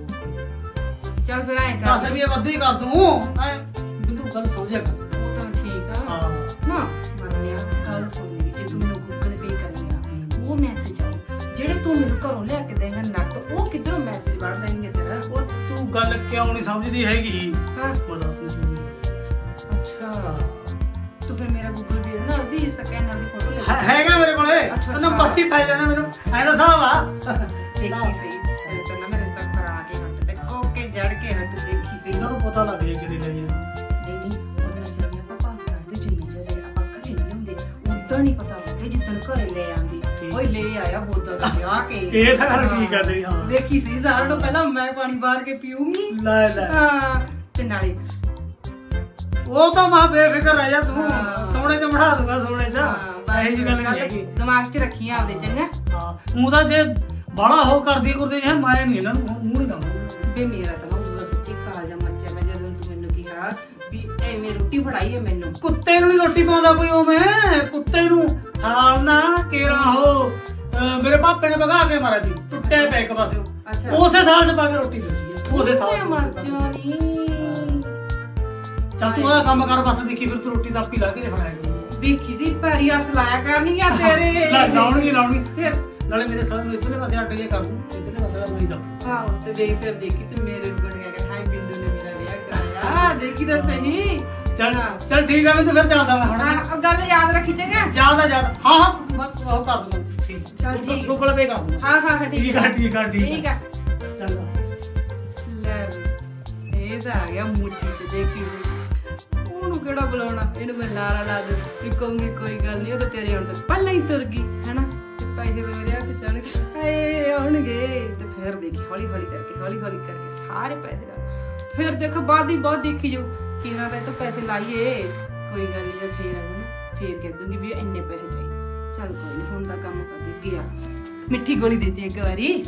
ਚੱਲ ਫਿਰ ਐਂ ਦੱਸ ਕਰ। ਵੀ ਇਹ ਵੱਧ ਹੀ ਕਰ ਦੂੰ ਐ ਬਿੰਦੂ ਗੱਲ ਸਮਝਿਆ ਕਰ। ਉਹ ਤਾਂ ਠੀਕ ਆ ਹਾਂ ਨਾ, ਮੰਨਿਆ। ਗੱਲ ਸੁਣ ਮੇਰੀ, ਜੇ ਤੂੰ ਮੈਨੂੰ ਗੂਗਲ ਪੇ ਕਰੇਗਾ ਉਹ ਮੈਸੇਜ ਆਉ, ਜਿਹੜੇ ਤੂੰ ਮੈਨੂੰ ਘਰੋਂ ਲਿਆ ਕੇ ਦੇਂਗਾ ਨਕਦ, ਉਹ ਕਿੱਧਰੋਂ ਮੈਸੇਜ ਵੜ ਲੈਣਗੇ ਤੇਰਾ? ਉਹ ਤੂੰ ਗੱਲ ਕਿਉਂ ਨਹੀਂ ਸਮਝਦੀ ਹੈਗੀ? ਹਾਂ ਮਤਲਬ ਤੂੰ ਜੀ ਅੱਛਾ, ਤੂੰ ਫਿਰ ਮੇਰਾ ਗੂਗਲ ਪੇ ਨਾ ਉਹਦੀ ਸਕੈਨਰ ਦੀ ਫੋਟੋ ਲੈ ਹੈ- ਹੈਗਾ ਮੇਰੇ ਕੋਲੇ, ਅੱਛਾ, ਉਹਨਾਂ ਅੱਛਾ। ਬਸਤੀ ਪੈ ਜਾਣਾ ਮੈਨੂੰ ਐ ਦਾ ਹਿਸਾਬ ਆ। ਦੇਖੀ ਸਹੀ ਤੇ ਨਾ ਮੇਰੇ ਤੱਕ ਕਰਾ ਕੇ ਹੱਟ ਤੇ ਕੋਕੇ ਜੜ ਕੇ ਹੱਟ, ਦੇਖੀ ਸਹੀ। ਇਹਨਾਂ ਨੂੰ ਪਤਾ ਲੱਗ ਜੇ ਕਿਹੜੇ ਲਈ ਆ। ਨਹੀਂ ਨਹੀਂ ਉਹਨਾਂ ਚਿਰ ਆਪਾਂ ਭਾਲ ਕਰਦੇ, ਜਿੰਨੇ ਚਿਰ ਆਪਾਂ ਘਰੇ ਨਹੀਂ ਹੁੰਦੇ ਉਦੋਂ ਨਹੀਂ ਪਤਾ ਲੱਗਦਾ, ਜਿੱਦਣ ਘਰੇ ਲੈ ਆਂਦੀ ਠੀਕ। ਓਏ ਲੈ ਆਇਆ ਬੋਤਲ ਤੇ ਆ ਕੇ। ਇਹ ਤਾਂ ਗੱਲ ਠੀਕ ਆ ਤੇਰੀ, ਹਾਂ। ਦੇਖੀ ਸੀ ਸਾਰਿਆਂ ਤੋਂ ਪਹਿਲਾਂ ਮੈਂ ਪਾਣੀ ਬਾਹਰ ਕੇ ਪੀਊਂਗੀ। ਲੈ ਲੈ, ਹਾਂ ਤੇ ਨਾਲੇ ਉਹ ਤਾਂ ਮਾਂ ਬੇਫਿਕਰ ਰਹਿ ਜਾ ਤੂੰ, ਹਾਂ। ਸੋਨੇ ਚ ਬਿਠਾ ਦੂੰਗਾ, ਸੋਨੇ ਚ ਹਾਂ, ਬਸ ਇਹੀ ਜੀ ਗੱਲ ਨਹੀਂ ਗੱਲ ਹੈਗੀ। ਦਿਮਾਗ 'ਚ ਰੱਖੀ ਆਪਦੇ, ਚੰਗਾ? ਹਾਂ ਉਹ ਤਾਂ ਜੇ ਬਾਲਾ ਹੋ ਕਰਦੀ ਕਰਦੇ ਹੈ, ਮੈਂ ਨਹੀਂ ਇਹਨਾਂ ਨੂੰ ਮੂੰਹ ਨਹੀਂ ਦਊਂਗਾ। ਵੇ ਮੇਰਾ ਤਾਂ ਨਾ ਉਦੋਂ ਦਾ ਸੱਚੀ ਕਾਲਜਾ ਮੱਚਿਆ, ਮੈਂ ਜਦੋਂ ਤੂੰ ਮੈਨੂੰ ਕਿਹਾ ਵੀ ਐਵੇਂ ਰੋਟੀ ਫੜਾਈ ਹੈ ਮੈਨੂੰ। ਕੁੱਤੇ ਨੂੰ ਨਹੀਂ ਰੋਟੀ ਪਾਉਂਦਾ ਕੋਈ ਉਵੇਂ, ਕੁੱਤੇ ਨੂੰ ਥਾਲ ਨਾ ਕੇਰਾ ਹੋ। ਅਹ ਮੇਰੇ ਪਾਪੇ ਨੇ ਭਗਾ ਕੇ ਮਾਰਿਆ ਸੀ, ਟੁੱਟੇ ਪੈ ਇੱਕ ਪਾਸੇ, ਅੱਛਾ ਉਸੇ ਥਾਲ 'ਚ ਪਾ ਕੇ ਰੋਟੀ ਦਿੱਤੀ ਹੈ, ਉਸੇ ਥਾਲ 'ਚ ਮਰ ਰੋਟੀ ਪਾ ਕੇ। ਜਾਣੀ। ਚੱਲ ਤੂੰ ਆ ਕੰਮ ਕਰ ਬਸ, ਦੇਖੀ ਫਿਰ ਤੂੰ ਰੋਟੀ ਤਾਂ ਆਪੀ ਲਾ ਕੇ ਫੜਾਇਆ ਕਰ। ਵੇਖੀ ਸੀ ਪੈਰੀ ਹੱਥ ਲਾਇਆ ਕਰਨੀਆਂ ਤੇਰੇ। ਲੈ ਲਾਉਣਗੀ ਲਾਉਣਗੀ, ਫਿਰ ਨਾਲੇ ਮੇਰੇ ਸਾਲੇ ਨੂੰ ਇੱਧਰਲੇ ਪਾਸੇ ਅੱਡ ਜੇ ਕਰ ਦੂੰ, ਇੱਧਰਲੇ ਪਾਸੇ ਦਾ ਨਹੀਂ ਦਾ। ਆਹੋ ਤੇ ਦੇਖ ਫਿਰ ਦੇਖੀ ਤੇ ਮੇਰੇ ਨੂੰ ਗਣ ਗਿਆ ਹਾਈ ਬਿੰਦੂ ਨੇ ਮੇਰਾ ਵਿਆਹ ਕਰਾਇਆ, ਦੇਖੀ ਤਾਂ ਸਹੀ। ਚੱਲ ਹਾਂ। ਚੱਲ ਠੀਕ ਆ, ਮੈਂ ਤੂੰ ਫਿਰ ਚੱਲਦਾ ਮੈਂ ਹੁਣ। ਹਾਂ ਉਹ ਗੱਲ ਯਾਦ ਰੱਖੀ ਚੰਗਾ। ਜਿਆਦਾ ਜਿਆਦਾ, ਹਾਂ ਹਾਂ ਮੈਂ ਉਹ ਕਰ ਦੂੰਗਾ, ਠੀਕ। ਚੱਲ ਠੀਕ। ਗੂਗਲ ਪੇ ਕਰ ਦੂੰਗਾ। ਹਾਂ ਹਾਂ ਹਾਂ ਠੀਕ ਠੀਕ ਆ ਠੀਕ ਆ ਠੀਕ ਠੀਕ ਆ। ਚੱਲ ਲੈ ਵੀ, ਇਹ ਤਾਂ ਆ ਗਿਆ ਮੁੱਠੀ ਚ, ਦੇਖੀ ਉਹਨੂੰ ਕਿਹੜਾ ਬੁਲਾਉਣਾ, ਇਹਨੂੰ ਮੈਂ ਲਾਰਾ ਲਾ ਦੇ ਕਿ ਕਹੂੰਗੀ ਕੋਈ ਗੱਲ ਨਹੀਂ, ਉਹ ਤਾਂ ਤੇਰੇ ਆਉਣ ਤੋਂ ਪਹਿਲਾਂ ਹੀ ਤੁਰ ਗਈ ਹੈਨਾ। ਪੈਸੇ ਤੇ ਮੇਰੇ ਹੱਥ ਚ ਆਉਣਗੇ, ਹਾਏ ਆਉਣਗੇ ਤੇ ਫਿਰ ਦੇਖੀ ਹੌਲੀ ਹੌਲੀ ਕਰਕੇ ਹੌਲੀ ਹੌਲੀ ਕਰਕੇ ਸਾਰੇ ਪੈਸੇ ਲਾ, ਫਿਰ ਦੇਖ ਬਾਅਦ ਹੀ ਬਾਅਦ ਦੇਖੀ ਜਾਊ ਕਿਹਨਾਂ ਦਾ ਇਹ ਤੋਂ ਪੈਸੇ ਲਾਈਏ। ਕੋਈ ਗੱਲ ਨਹੀਂ, ਜੇ ਫੇਰ ਆਊ ਨਾ ਫੇਰ ਕਹਿ ਦੂੰਗੀ ਵੀ ਇੰਨੇ ਪੈਸੇ ਚਾਹੀਦੇ। ਚੱਲ ਕੋਈ ਨਹੀਂ, ਹੁਣ ਦਾ ਕੰਮ ਕਰਦੀ ਗਿਆ, ਮਿੱਠੀ ਗੋਲੀ ਦੇਤੀ ਇੱਕ ਵਾਰੀ।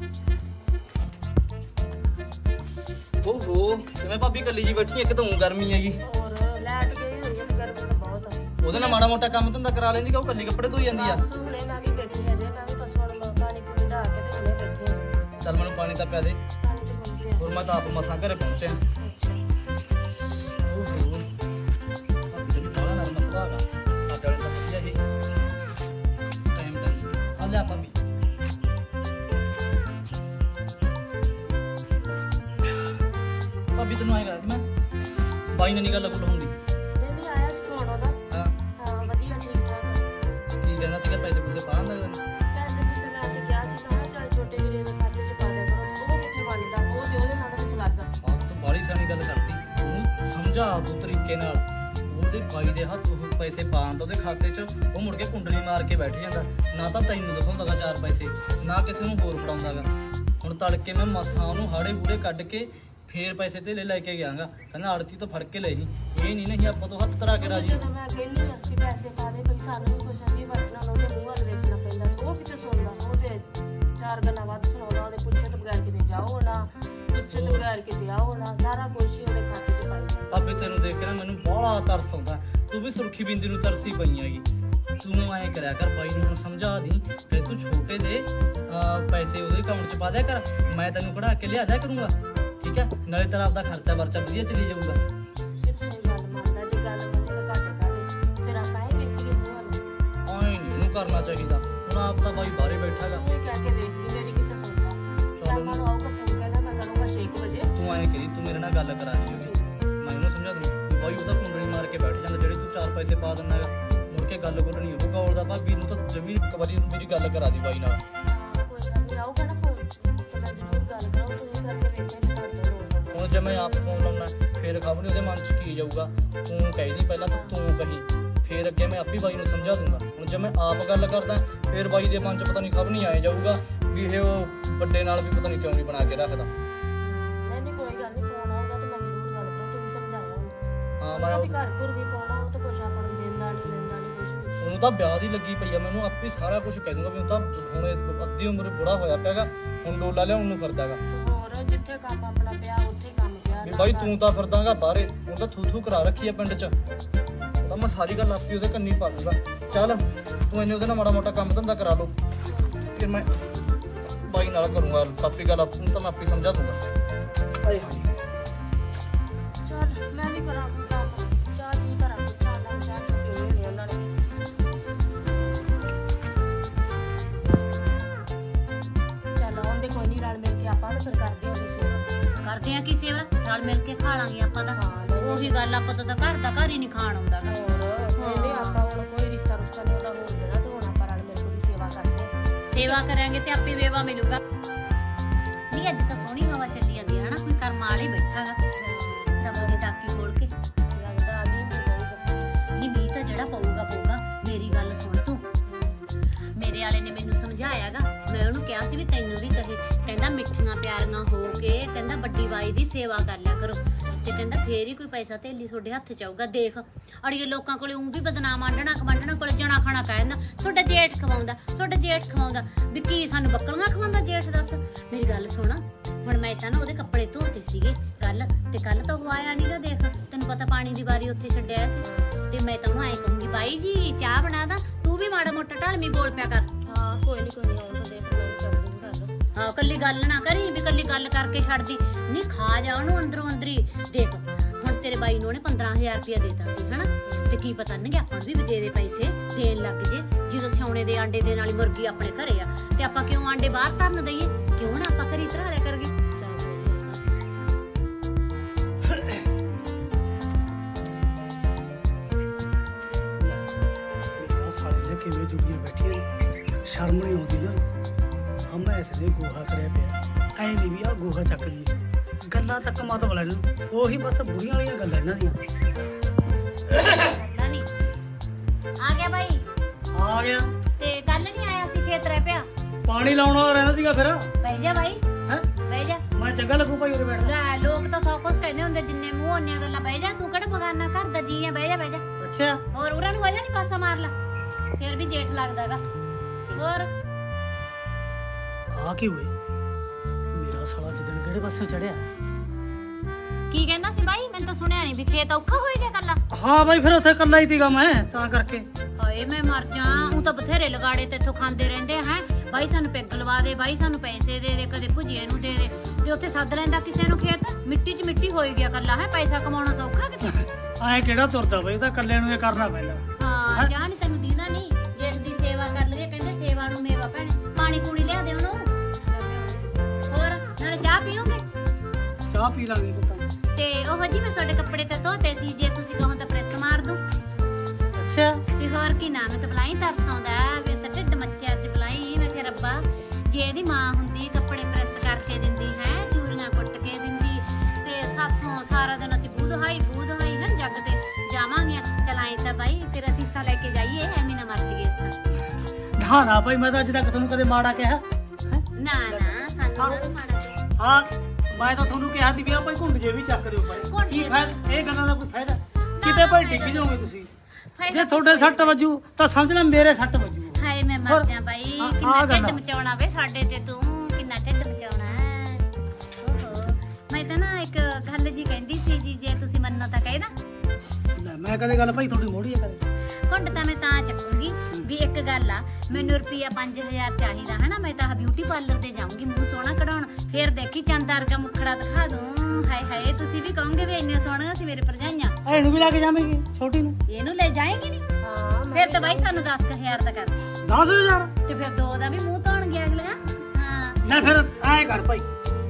ਓਹੋ ਕਿਵੇਂ ਭਾਬੀ ਕੱਲੀ ਜੀ ਬੈਠੀ, ਇੱਕ ਤਾਂ ਊਂ ਗਰਮੀ ਹੈਗੀ, ਹੋਰ ਲੈਟ ਗਈ ਹੋਈ ਹੈ ਤੇ ਗਰਮੀ ਤਾਂ ਬਹੁਤ ਆ। ਉਹਦੇ ਨਾਲ ਮਾੜਾ ਮੋਟਾ ਕੰਮ ਧੰਦਾ ਕਰਾ ਲੈਂਦੀ ਕਿ ਉਹ ਕੱਲੀ ਕੱਪੜੇ ਧੋਈ ਜਾਂਦੀ ਆ। ਬਸ ਹੁਣੇ ਮੈਂ ਵੀ ਬੈਠੀ ਹਾਂ ਜੇ ਮੈਂ ਵੀ ਪਸ਼ੂਆਂ ਨੂੰ ਪਾਣੀ ਪੂਣੀ ਢਾ ਕੇ ਤੇ ਹੁਣੇ ਬੈਠੀ ਹਾਂ। ਚੱਲ ਮੈਨੂੰ ਪਾਣੀ ਤਾਂ ਪਿਆ ਦੇ, ਪਾਣੀ ਤੇ ਪਹੁੰਚ ਗਿਆ। ਹੋਰ ਮੈਂ ਤਾਂ ਆਪ ਮਸਾਂ ਘਰੇ ਪਹੁੰਚਿਆ। ਅੱਛਾ ਓਹੋ ਭਾਬੀ ਦਾ ਬੜਾ ਨਰਮ ਸੁਭਾਅ ਹੈਗਾ, ਸਾਡੇ ਵਾਲੇ ਤਾਂ ਵਧੀਆ ਜੀ ਟਾਈਮ ਦਾ ਨਹੀਂ। ਆ ਲੈ ਭਾਬੀ, ਭਾਬੀ ਤੈਨੂੰ ਆਏਗਾ ਸੀ ਮੈਂ ਬਾਈ ਨੇ ਨਹੀਂ ਗੱਲ ਗੁੱਲ ਹੁੰਦੀ। ਨਹੀਂ ਆਇਆ ਸੀ ਫੋਨ ਉਹਦਾ। ਹਾਂ ਹਾਂ ਵਧੀਆ ਠੀਕ ਠਾਕ ਆ। ਕੀ ਕਹਿੰਦਾ ਸੀਗਾ, ਪੈਸੇ ਪੂਸੇ ਪਾ ਦਿੰਦਾ ਤੈਨੂੰ? ਪੈਸੇ ਪੂਸੇ ਮੈਂ ਅੱਜ ਕਿਹਾ ਸੀ ਮੈਂ ਕਿਹਾ ਚੱਲ ਛੋਟੇ ਵੀਰੇ ਦੇ ਖਾਤੇ 'ਚ ਪਾ ਦਿਆ ਕਰੋ, ਉਹ ਕਿੱਥੇ ਮੰਨਦਾ, ਉਹ ਤੇ ਉਹਦੇ ਨਾਲ ਕੁਛ ਲੱਗਾ। ਆਹ ਤੂੰ ਬਾਲੀ ਸਾਰੀ ਗੱਲ ਕਰਤੀ, ਉਹਨੂੰ ਸਮਝਾ ਤੂੰ ਤਰੀਕੇ ਨਾਲ, ਉਹਦੇ ਬਾਈ ਦੇ ਹੱਥ ਉਹ ਪੈਸੇ ਪਾਉਂਦਾ ਉਹਦੇ ਖਾਤੇ 'ਚ, ਉਹ ਮੁੜ ਕੇ ਕੁੰਡਲੀ ਮਾਰ ਕੇ ਬੈਠ ਜਾਂਦਾ। ਨਾ ਤਾਂ ਤੈਨੂੰ ਦਿਖਾਉਂਦਾਗਾ ਚਾਰ ਪੈਸੇ, ਨਾ ਕਿਸੇ ਨੂੰ ਹੋਰ ਫੜਾਉਂਦਾਗਾ। ਹੁਣ ਤੜਕੇ ਮੈਂ ਮਸਾਂ ਉਹਨੂੰ ਹਾੜੇ ਹੂੜੇ ਕੱਢ ਕੇ ਫੇਰ ਪੈਸੇ ਤੇ ਲੈ ਕੇ ਗਿਆਗਾ। ਕਹਿੰਦਾ ਆੜਤੀ ਤੋਂ ਫੜ ਕੇ ਲੈ ਜੀ, ਇਹ ਨਹੀਂ ਨਹੀਂ ਆਪਾਂ ਤੋਂ ਹੱਥ ਧਰਾ ਕੇ ਰਾਜੀ। ਜਦੋਂ ਮੈਂ ਕਹਿੰਦੀ ਆ ਕਿ ਪੈਸੇ ਪਾ ਦੇ ਕੋਈ, ਸਾਨੂੰ ਵੀ ਕੁਛ ਅੱਗੇ ਵਰਤਣਾ ਉਹਦੇ ਮੂੰਹ ਵੱਲ ਵੇਖਣਾ ਪੈਂਦਾ। ਉਹ ਕਿਤੇ ਸੁਣਦਾ, ਉਹ ਤੇ ਚਾਰ ਗੱਲਾਂ ਵੱਧ ਸੁਣਾਉਂਦਾ। ਉਹਦੇ ਪੁੱਛੇ ਤੋਂ ਬਗੈਰ ਕਿਤੇ ਜਾਓ ਨਾ, ਪੁੱਛੇ ਤੋਂ ਬਗੈਰ ਕਿਤੇ ਆਓ ਨਾ, ਸਾਰਾ ਕੁਛ ਹੀ ਉਹਦੇ ਖਾਤੇ 'ਚ ਪਾਈ ਜਾਂਦਾ। ਭਾਬੀ ਤੈਨੂੰ ਦੇਖ ਕੇ ਨਾ ਮੈਨੂੰ ਬੜਾ ਤਰਸ ਆਉਂਦਾ। ਤੂੰ ਵੀ ਸੁਰਖੀ ਬਿੰਦੀ ਨੂੰ ਤਰਸੀ ਪਈ ਹੈਗੀ। ਤੂੰ ਐਂ ਕਰਿਆ ਕਰ, ਬਾਈ ਨੂੰ ਹੁਣ ਸਮਝਾ ਦੀ ਕਿ ਤੂੰ ਛੋਟੇ ਦੇ ਅਹ, ਪੈਸੇ ਉਹਦੇ ਅਕਾਊਂਟ 'ਚ ਪਾ ਦਿਆ ਕਰ, ਮੈਂ ਤੈਨੂੰ ਕਢਾ ਕੇ ਲਿਆ ਦਿਆ ਕਰੂੰਗਾ। ਠੀਕ ਹੈ, ਨਾਲੇ ਤੇਰਾ ਆਪਦਾ ਖਰਚਾ ਵਰਚਾ ਵਧੀਆ ਚਲੀ ਜਾਊਗਾ। ਕਿੱਥੇ ਗੱਲ ਮੰਨਦਾ, ਜੇ ਗੱਲ ਮੰਨੇ ਤਾਂ ਘੱਟ ਕਰੇ, ਫਿਰ ਆਪਾਂ ਇਹ ਵੇਖੀਏ ਮੂੰਹ ਵੱਲ। ਐਂ ਨਹੀਂ ਉਹਨੂੰ ਕਰਨਾ ਚਾਹੀਦਾ। ਹੁਣ ਆਪ ਤਾਂ ਬਾਈ ਬਾਹਰੇ ਬੈਠਾਗਾ। ਇਹ ਕਹਿ ਕੇ ਦੇਖ ਲਈ, ਮੇਰੀ ਕਿਤੇ ਸੁਣਦਾ। ਸ਼ਾਮਾਂ ਨੂੰ ਆਊਗਾ ਫੋਨ, ਕਹਿੰਦਾ ਮੈਂ ਕਰੂੰਗਾ ਛੇ ਕੁ ਵਜੇ। ਤੂੰ ਐਂ ਕਰੀ, ਤੂੰ ਮੇਰੇ ਨਾਲ ਗੱਲ ਕਰਾ ਦੀ ਉਹਦੀ, ਮੈਂ ਉਹਨੂੰ ਸਮਝਾ ਦੂੰ ਕਿ ਬਾਈ ਉਹਦਾ ਕੁੰਡਲੀ ਮਾਰ ਕੇ ਬੈਠ ਜਾਂਦਾ ਜਿਹੜੇ ਤੂੰ ਚਾਰ ਪੈਸੇ ਪਾ ਦਿੰਦਾ ਹੈਗਾ। ਮੁੜ ਕੇ ਗੱਲ ਗੁੱਲ ਨਹੀਂ ਹੋਊਗਾ। ਔਰ ਦਾ ਭਾਬੀ ਨੂੰ ਤਾਂ ਜਮੀ ਇੱਕ ਵਾਰੀ ਮੇਰੀ ਗੱਲ ਕਰਾ ਦੀ ਬਾਈ ਨਾਲ। ਹਾਂ, ਕੋਈ ਗੱਲ ਨਹੀਂ, ਆਊਗਾ ਨਾ ਫੋਨ ਤੇ ਮੈਂ ਜ਼ਰੂਰ ਗੱਲ ਕਰਾਂ। ਤੁਸੀਂ ਕਰਕੇ ਵੇਖਿਆ ਨਹੀਂ ਕਰਦਾ। ਹੁਣ ਜੇ ਮੈਂ ਆਪ ਫੋਨ ਲਾਉਣਾ ਫੇਰ ਖਬਰ ਉਹਦੇ ਮਨ 'ਚ ਕੀ ਜਾਊਗਾ। ਤੂੰ ਕਹਿਦੀ ਪਹਿਲਾਂ ਤਾਂ ਤੂੰ ਕਹੀ, ਫੇਰ ਅੱਗੇ ਮੈਂ ਆਪੀ ਬਾਈ ਨੂੰ ਸਮਝਾ ਦੂੰਗਾ। ਹੁਣ ਜੇ ਮੈਂ ਆਪ ਗੱਲ ਕਰਦਾ ਫੇਰ ਬਾਈ ਦੇ ਮਨ 'ਚ ਪਤਾ ਨਹੀਂ ਖਬਰ ਨਹੀਂ ਆਏ ਜਾਊਗਾ ਵੀ ਇਹ ਉਹ ਵੱਡੇ ਨਾਲ ਵੀ ਪਤਾ ਨਹੀਂ ਕਿਉਂ ਨਹੀਂ ਬਣਾ ਕੇ ਰੱਖਦਾ। ਨਹੀਂ ਨਹੀਂ, ਕੋਈ ਗੱਲ ਨਹੀਂ, ਫੋਨ ਆਊਗਾ ਤਾਂ ਮੈਂ ਜ਼ਰੂਰ ਗੱਲ ਕਰਾਂ। ਤੁਸੀਂ ਸਮਝਾਇਆ ਉਹਨੂੰ। ਹਾਂ, ਮੈਂ ਮੈਂ ਵੀ ਘਰ ਘਰ ਵੀ ਪਾਉਣਾ, ਉਹ ਤਾਂ ਕੁਛ ਆਪਾਂ ਨੂੰ ਦਿੰਦਾ ਨਹੀਂ ਲੈਂਦਾ ਨਹੀਂ ਕੁਛ ਵੀ। ਉਹਨੂੰ ਤਾਂ ਵਿਆਹ ਦੀ ਲੱਗੀ ਪਈ ਆ। ਮੈਨੂੰ ਆਪੇ ਸਾਰਾ ਕੁਝ ਕਹਿ ਦੂੰਗਾ ਵੀ ਉਹ ਤਾਂ ਹੁਣ ਇਹ ਅੱਧੀ ਉਮਰ ਬੁੜਾ ਹੋਇਆ ਪਿਆਗਾ, ਹੁਣ ਡੋਲਾ ਲਿਆਉਣ ਨੂੰ ਫਿਰਦਾਗਾ। ਤੇ ਹੋਰ ਜਿੱਥੇ ਕੰਮ ਆਪਣਾ ਪਿਆ ਉੱਥੇ ਕੰਮ ਪਿਆ। ਵੀ ਬਾਈ ਤੂੰ ਤਾਂ ਫਿਰਦਾਗਾ ਬਾਹਰੇ, ਉਹ ਤਾਂ ਥੂ ਥੂ ਕਰਾ ਰੱਖੀ ਆ ਪਿੰਡ 'ਚ। ਉਹ ਤਾਂ ਮੈਂ ਸਾਰੀ ਗੱਲ ਆਪੀ ਉਹਦੇ ਕੰਨੀ ਪਾ ਦੂੰਗਾ। ਚੱਲ ਤੂੰ ਇਹਨੇ ਉਹਦੇ ਨਾਲ ਮਾੜਾ ਮੋਟਾ ਕੰਮ ਧੰਦਾ ਕਰਾ ਲਓ, ਫਿਰ ਮੈਂ ਬਾਈ ਨਾਲ ਕਰੂੰਗਾ ਆਪੀ ਗੱਲ। ਆਪ ਨੂੰ ਤਾਂ ਮੈਂ ਆਪੇ ਸਮਝਾ ਦੂੰਗਾ। ਆਏ ਹਾਏ, ਚੱਲ ਮੈਂ ਵੀ ਕਰਾਂ ਕੋਈ ਕੰਮ। ਚਾਹ ਕੀ ਕਰਾਂ, ਚਾਹ ਨਾਲ ਚਾਹ ਚੁੱਕੀ ਹੋਈ ਨੇ ਉਹਨਾਂ ਨੇ। ਚੱਲ ਆਉਂਦੇ ਕੋਈ ਨਹੀਂ, ਰਲ ਮਿਲ ਕੇ ਆਪਾਂ ਤਾਂ ਫਿਰ ਕਰਦੇ ਹਾਂ ਕੋਈ ਸੇਵਾ। ਕਰਦੇ ਆ ਕੀ ਸੇਵਾ, ਰਲ ਮਿਲ ਕੇ ਖਾ ਲਾਂਗੇ ਆਪਾਂ ਤਾਂ। ਹਾਂ, ਨਹੀਂ। ਉਹੀ ਗੱਲ, ਆਪਾਂ ਤਾਂ ਘਰ ਦਾ ਘਰ ਹੀ ਨਹੀਂ ਖਾਣ ਆਉਂਦਾ ਗਾ। ਹੋਰ ਇਹਨੇ ਆਪਾਂ ਹੁਣ ਕੋਈ ਰਿਸ਼ਤਾ ਰੁਸ਼ਤਾ ਨਹੀਂ ਉਹਦਾ ਹੋਣ ਦੇਣਾ, ਤੇ ਹੁਣ ਆਪਾਂ ਰਲ ਮਿਲ ਕੇ ਉਹਦੀ ਸੇਵਾ ਕਰਦੇ ਹਾਂ। ਸੇਵਾ ਕਰਾਂਗੇ ਤੇ ਆਪੇ ਵੇਵਾ ਮਿਲੂਗਾ। ਨਹੀਂ ਅੱਜ ਤਾਂ ਸੋਹਣੀ ਹਵਾ ਚੱਲੀ ਜਾਂਦੀ ਹੈ ਹਨਾ, ਕੋਈ ਕਰਮ ਵਾਲਾ ਹੀ ਬੈਠਾ ਗਾ ਰੱਬ ਦੀ ਟਾਕੀ ਖੋਲ ਕੇ। ਲੱਗਦਾ ਨਹੀਂ ਮੈਨੂੰ ਨਹੀਂ ਮੀਂਹ ਤਾਂ ਜਿਹੜਾ ਪਊਗਾ ਪਊਗਾ। ਮੇਰੀ ਗੱਲ ਸੁਣ ਤੂੰ, ਮੇਰੇ ਵਾਲੇ ਨੇ ਮੈਨੂੰ ਸਮਝਾਇਆਗਾ। ਮੈਂ ਉਹਨੂੰ ਕਿਹਾ ਸੀ ਵੀ ਤੈਨੂੰ ਵੀ ਕਹੇ, ਕਹਿੰਦਾ ਮਿੱਠੀਆਂ ਪਿਆਰੀਆਂ ਹੋ ਕੇ ਕਹਿੰਦਾ ਵੱਡੀ ਬਾਈ ਦੀ ਸੇਵਾ ਕਰ ਲਿਆ ਕਰੋ, ਤੇ ਕਹਿੰਦਾ ਫੇਰ ਹੀ ਕੋਈ ਪੈਸਾ ਧੇਲੀ ਤੁਹਾਡੇ ਹੱਥ ਚ ਆਊਗਾ। ਦੇਖ ਅੜੀਏ ਲੋਕਾਂ ਕੋਲੇ ਉਂ ਵੀ ਬਦਨਾਮ ਆਂਡਣਾ ਕਮਾਂਡਣਾ ਕੋਲੇ ਜਣਾ ਖਾਣਾ ਪੈ ਜਾਂਦਾ। ਤੁਹਾਡਾ ਜੇਠ ਖਵਾਉਂਦਾ, ਤੁਹਾਡਾ ਜੇਠ ਖਵਾਉਂਦਾ, ਵੀ ਕੀ ਸਾਨੂੰ ਬੱਕਰੀਆਂ ਖਵਾਉਂਦਾ ਜੇਠ? ਦੱਸ ਮੇਰੀ ਗੱਲ ਸੁਣ, ਹੁਣ ਮੈਂ ਤਾਂ ਨਾ ਉਹਦੇ ਕੱਪੜੇ ਧੋਤੇ ਸੀਗੇ ਕੱਲ, ਤੇ ਕੱਲ ਤਾਂ ਉਹ ਆਇਆ ਨੀਗਾ। ਦੇਖ ਤੈਨੂੰ ਪਤਾ ਪਾਣੀ ਦੀ ਵਾਰੀ ਉੱਥੇ ਛੱਡਿਆ ਸੀ, ਤੇ ਮੈਂ ਤਾਂ ਉਹਨੂੰ ਐਂ ਕਹੂੰਗੀ ਬਾਈ ਜੀ ਚਾਹ ਬਣਾ ਦਾ, ਤੂੰ ਵੀ ਮਾੜਾ ਮੋਟਾ ਢਲਮੀ ਬੋਲ ਪਿਆ ਕਰ। ਹਾਂ ਕੋਈ ਨਹੀਂ ਕੋਈ ਨਹੀਂ, ਆਉਣ ਤਾਂ ਦੇਖ ਮੈਂ ਕਰ ਦੂੰਗੀ ਗੱਲ। ਹਾਂ ਕੱਲੀ ਗੱਲ ਨਾ ਕਰੀ ਵੀ ਕੱਲੀ ਗੱਲ ਕਰਕੇ ਛੱਡਦੀ ਨਹੀਂ, ਖਾ ਜਾ ਉਹਨੂੰ ਅੰਦਰੋਂ ਅੰਦਰੀ। ਦੇਖ ਹੁਣ ਤੇਰੇ ਬਾਈ ਨੂੰ ਉਹਨੇ ਪੰਦਰਾਂ ਹਜ਼ਾਰ ਰੁਪਇਆ ਦੇਤਾ ਸੀ ਹਨਾ, ਤੇ ਕੀ ਪਤਾ ਨਹੀਂ ਆਪਾਂ ਨੂੰ ਵੀ ਦੇ ਦੇ ਪੈਸੇ ਦੇਣ ਲੱਗ ਜੇ। ਜਦੋਂ ਸਿਉਣੇ ਦੇ ਆਂਡੇ ਦੇ ਨਾਲ ਹੀ ਮੁਰਗੀ ਆਪਣੇ ਘਰੇ ਆ, ਤੇ ਆਪਾਂ ਕਿਉਂ ਆਂਡੇ ਬਾਹਰ ਧਰਨ ਦਈਏ? ਕਿਉਂ ਨਾ ਆਪਾਂ ਘਰੇ ਧਰਾ ਲਿਆ ਕਰਗੇ। ਸਾਲੇ ਦੇ ਕਿਵੇਂ ਜੁੜੀਆਂ ਬੈਠੀਆਂ ਨੇ, ਸ਼ਰਮ ਨਹੀਂ ਆਉਂਦੀ ਨਾ। ਹਮ ਐਸੇ ਦੇ ਗੋਹਾ ਕਰਿਆ ਪਿਆ, ਐ ਨਹੀਂ ਵੀ ਆ ਗੋਹਾ ਚੱਕ ਦੀ ਗੱਲਾਂ ਤੱਕ ਮਤ ਬਲਾ ਨੂੰ, ਉਹੀ ਬਸ ਬੁੜੀਆਂ ਵਾਲੀਆਂ ਗੱਲਾਂ ਇਹਨਾਂ ਦੀਆਂ। ਪਤਾ ਨਹੀਂ ਆ ਗਿਆ ਬਾਈ, ਆ ਗਿਆ ਤੇ ਕੱਲ ਨਹੀਂ ਆਇਆ ਸੀ ਖੇਤ ਰਹਿ ਪਿਆ। ਪਾਣੀ ਲਾਉਣਾ ਰਹਿਣਾ ਸੀਗਾ ਫਿਰ। ਬਹਿ ਜਾ ਬਾਈ, ਹੈ ਬਹਿ ਜਾ। ਮੈਂ ਚੰਗਾ ਲੱਗੂ ਭਾਈ ਉਰੇ ਬੈਠਣਾ। ਲੈ ਲੋਕ ਤਾਂ ਸੌ ਕੁਛ ਕਹਿੰਦੇ ਹੁੰਦੇ, ਜਿੰਨੇ ਮੂੰਹ ਉਹਨੀਆਂ ਗੱਲਾਂ। ਬਹਿ ਜਾ, ਤੂੰ ਕਿਹੜਾ ਬਗਾਨਾ ਘਰ ਦਾ ਜੀ ਆ, ਬਹਿ ਜਾ ਬਹਿ ਜਾ। ਅੱਛਾ ਹੋਰ ਉਹਨਾਂ ਨੂੰ ਵਜਾ ਨਹੀਂ ਪਾਸਾ ਮਾਰ ਲਾ, ਫਿਰ ਵੀ ਜੇਠ ਲੱਗਦਾਗਾ। ਹੋਰ ਆ ਕੀ ਹੋਏ, ਮੇਰਾ ਸਾਲਾ ਜਿੱਦਣ ਕਿਹੜੇ ਪਾਸੇ ਚੜਿਆ। ਕੀ ਕਹਿੰਦਾ ਸੀ ਬਾਈ? ਮੈਨੂੰ ਤਾਂ ਸੁਣਿਆ ਨਹੀਂ ਵੀ ਖੇਤ ਔਖਾ ਹੋਈ ਗਿਆ ਕੱਲਾ। ਹਾਂ ਬਾਈ ਫਿਰ ਉੱਥੇ ਇਕੱਲਾ ਹੀ ਸੀਗਾ ਮੈਂ, ਤਾਂ ਕਰਕੇ। ਹਾਏ ਮੈਂ ਮਰ ਜਾ, ਉਹ ਤਾਂ ਬਥੇਰੇ ਲਗਾੜੇ ਤੇ ਇੱਥੋਂ ਖਾਂਦੇ ਰਹਿੰਦੇ ਹੈ। ਬਾਈ ਸਾਨੂੰ ਪੈਗ ਲਵਾ ਦੇ, ਬਾਈ ਸਾਨੂੰ ਪੈਸੇ ਦੇ ਦੇ, ਕਦੇ ਭੁਜੀਏ ਨੂੰ ਦੇ ਦੇ, ਤੇ ਉੱਥੇ ਸੱਦ ਲੈਂਦਾ ਕਿਸੇ ਨੂੰ ਖੇਤ। ਮਿੱਟੀ 'ਚ ਮਿੱਟੀ ਹੋਈ ਗਿਆ ਕੱਲਾ ਹੈ। ਪੈਸਾ ਕਮਾਉਣਾ ਸੌਖਾ ਕਿਤੇ? ਐ ਕਿਹੜਾ ਤੁਰਦਾ ਬਾਈ, ਤਾਂ ਇਕੱਲੇ ਨੂੰ ਇਹ ਕਰਨਾ ਪੈਂਦਾ। ਹਾਂ ਜਾਣ ਤੈਨੂੰ ਦੀਦਾ ਨਹੀਂ, ਜੇਠ ਦੀ ਸੇਵਾ ਕਰ ਲਈਏ, ਕਹਿੰਦੇ ਸੇਵਾ ਨੂੰ ਮੇਵਾ ਭੈਣੇ। ਪਾਣੀ ਪੂਣੀ ਲਿਆ ਦੇ ਉਹਨੂੰ, ਹੋਰ ਨਾਲੇ ਚਾਹ ਪੀਓਗੇ? ਚਾਹ ਪੀ ਲਾਂਗੇ ਪੁੱਤਾਂ। ਤੇ ਉਹ ਜੀ ਮੈਂ ਤੁਹਾਡੇ ਕੱਪੜੇ ਤੇ ਧੋਤੇ ਸੀ, ਜੇ ਤੁਸੀਂ ਕਹੋ ਤਾਂ ਪ੍ਰੈਸ ਮਾਰ ਦੂੰ। ਅੱਛਾ ਤੇ ਹੋਰ ਕੀ ਨਾਮ ਤੇ ਬੁਲਾਈ, ਤਰਸ ਆਉਂਦਾ ਵੀ ਤਾਂ ਢਿੱਡ ਮੱਚਿਆ ਅੱਜ ਬੁਲਾਈ। ਮੈਂ ਕਿਹਾ ਰੱਬਾ ਜੇ ਇਹਦੀ ਮਾਂ ਹੁੰਦੀ ਕੱਪੜੇ ਪ੍ਰੈਸ ਕਰਕੇ ਦਿੰਦੀ ਹੈ, ਚੂਰੀਆਂ ਕੁੱਟ ਕੇ ਦਿੰਦੀ, ਤੇ ਸਾਥੋਂ ਸਾਰਾ ਦਿਨ ਅਸੀਂ ਬੂਧ ਹਾਈ ਬੂਧ ਹਾਈ ਨਾ ਜੱਗ ਤੇ ਜਾਵਾਂਗੇ। ਚਲਾਈ ਤਾਂ ਬਾਈ ਫਿਰ ਅਸੀਂ ਇਹ ਐਵੇਂ ਨਾ ਮਰ ਜਗੇ ਇਸ ਤਾਂ ਨਾ ਨਾ ਭਾਈ ਮੈਂ ਤਾਂ ਅੱਜ ਤੱਕ ਤੁਹਾਨੂੰ ਕਦੇ ਮਾੜਾ ਕਿਹਾ ਹੈਂ? ਨਾ ਨਾ ਸਾਨੂੰ ਤਾਂ ਮਾੜਾ ਜਿਹਾ। ਹਾਂ ਮੈਂ ਤਾਂ ਤੁਹਾਨੂੰ ਕਿਹਾ ਸੀ ਵੀ ਆ ਭਾਈ ਘੁੰਡ ਜੇ ਵੀ ਚੱਕ ਦਿਓ ਭਾਈ ਘੁੰਡ ਕੀ ਜੇ। ਫਾਇਦਾ ਇਹ ਗੱਲਾਂ ਦਾ ਕੋਈ ਫਾਇਦਾ ਕਿਤੇ ਭਾਈ ਡਿੱਗ ਜਾਓਗੇ ਤੁਸੀਂ ਫਾਇਦਾ ਜੇ ਤੁਹਾਡੇ ਸੱਟ ਵੱਜੂ ਤਾਂ ਸਮਝ ਲੈ ਮੇਰੇ ਸੱਟ ਵੱਜੂ ਹਾਏ ਮੈਂ ਮਰ ਜਾ ਬਾਈ ਆ- ਕਿੰਨਾ ਆ ਗੱਲ ਢਿੱਡ ਆ। ਮਚਾਉਣਾ ਵੇ ਸਾਡੇ ਤੇ ਤੂੰ ਕਿੰਨਾ ਢਿੱਡ ਮਚਾਉਣਾ ਹੈ। ਓਹੋ ਮੈਂ ਤਾਂ ਨਾ ਇੱਕ ਗੱਲ ਜੀ ਕਹਿੰਦੀ ਸੀ ਜੀ ਜੇ ਤੁਸੀਂ ਮੰਨੋ ਤਾਂ ਕਹਿ ਦਾਂ ਲੈ ਮੈਂ ਕਦੇ ਗੱਲ ਭਾਈ ਤੁਹਾਡੀ ਮੋੜੀ ਹੈ ਕਦੇ ਘੁੰਡ ਤਾਂ ਮੈਂ ਤਾਂ ਚੱਕੂਗੀ ਵੀ ਇੱਕ ਗੱਲ ਆ ਮੈਨੂੰ ਰੁਪਿਆ ਪੰਜ ਹਜ਼ਾਰ ਚਾਹੀਦਾ ਹਨਾ ਮੈਂ ਤਾਂ ਬਿਊਟੀ ਪਾਰਲਰ ਤੇ ਜਾਊਂਗੀ ਮੂੰਹ ਸੋਹਣਾ ਕਢਾਉਣ ਫਿਰ ਦੇਖੀ ਚੰਦ ਵਰਗਾ ਮੁਖੜਾ ਦਿਖਾ ਦੂੰ ਹਾਏ ਹਾਏ ਤੁਸੀਂ ਵੀ ਕਹੋਗੇ ਵੀ ਇੰਨੀਆਂ ਸੋਹਣੀਆਂ ਸੀ ਮੇਰੇ ਭਰਜਾਈਆਂ ਇਹਨੂੰ ਵੀ ਲੈ ਕੇ ਜਾਵੇਂਗੀ ਛੋਟੀ ਨੂੰ ਇਹਨੂੰ ਲੈ ਜਾਏਗੀ ਨਹੀਂ ਹਾਂ ਫਿਰ ਤਾਂ ਬਾਈ ਸਾਨੂੰ ਦਸ ਹਜ਼ਾਰ ਦਾ ਕਰ ਦਸ ਹਜ਼ਾਰ ਤੇ ਫਿਰ ਦੋ ਦਾ ਵੀ ਮੂੰਹ ਧੋਣ ਗਿਆ ਅਗਲਾ ਹਾਂ ਲੈ ਫਿਰ ਐਂ ਕਰ ਭਾਈ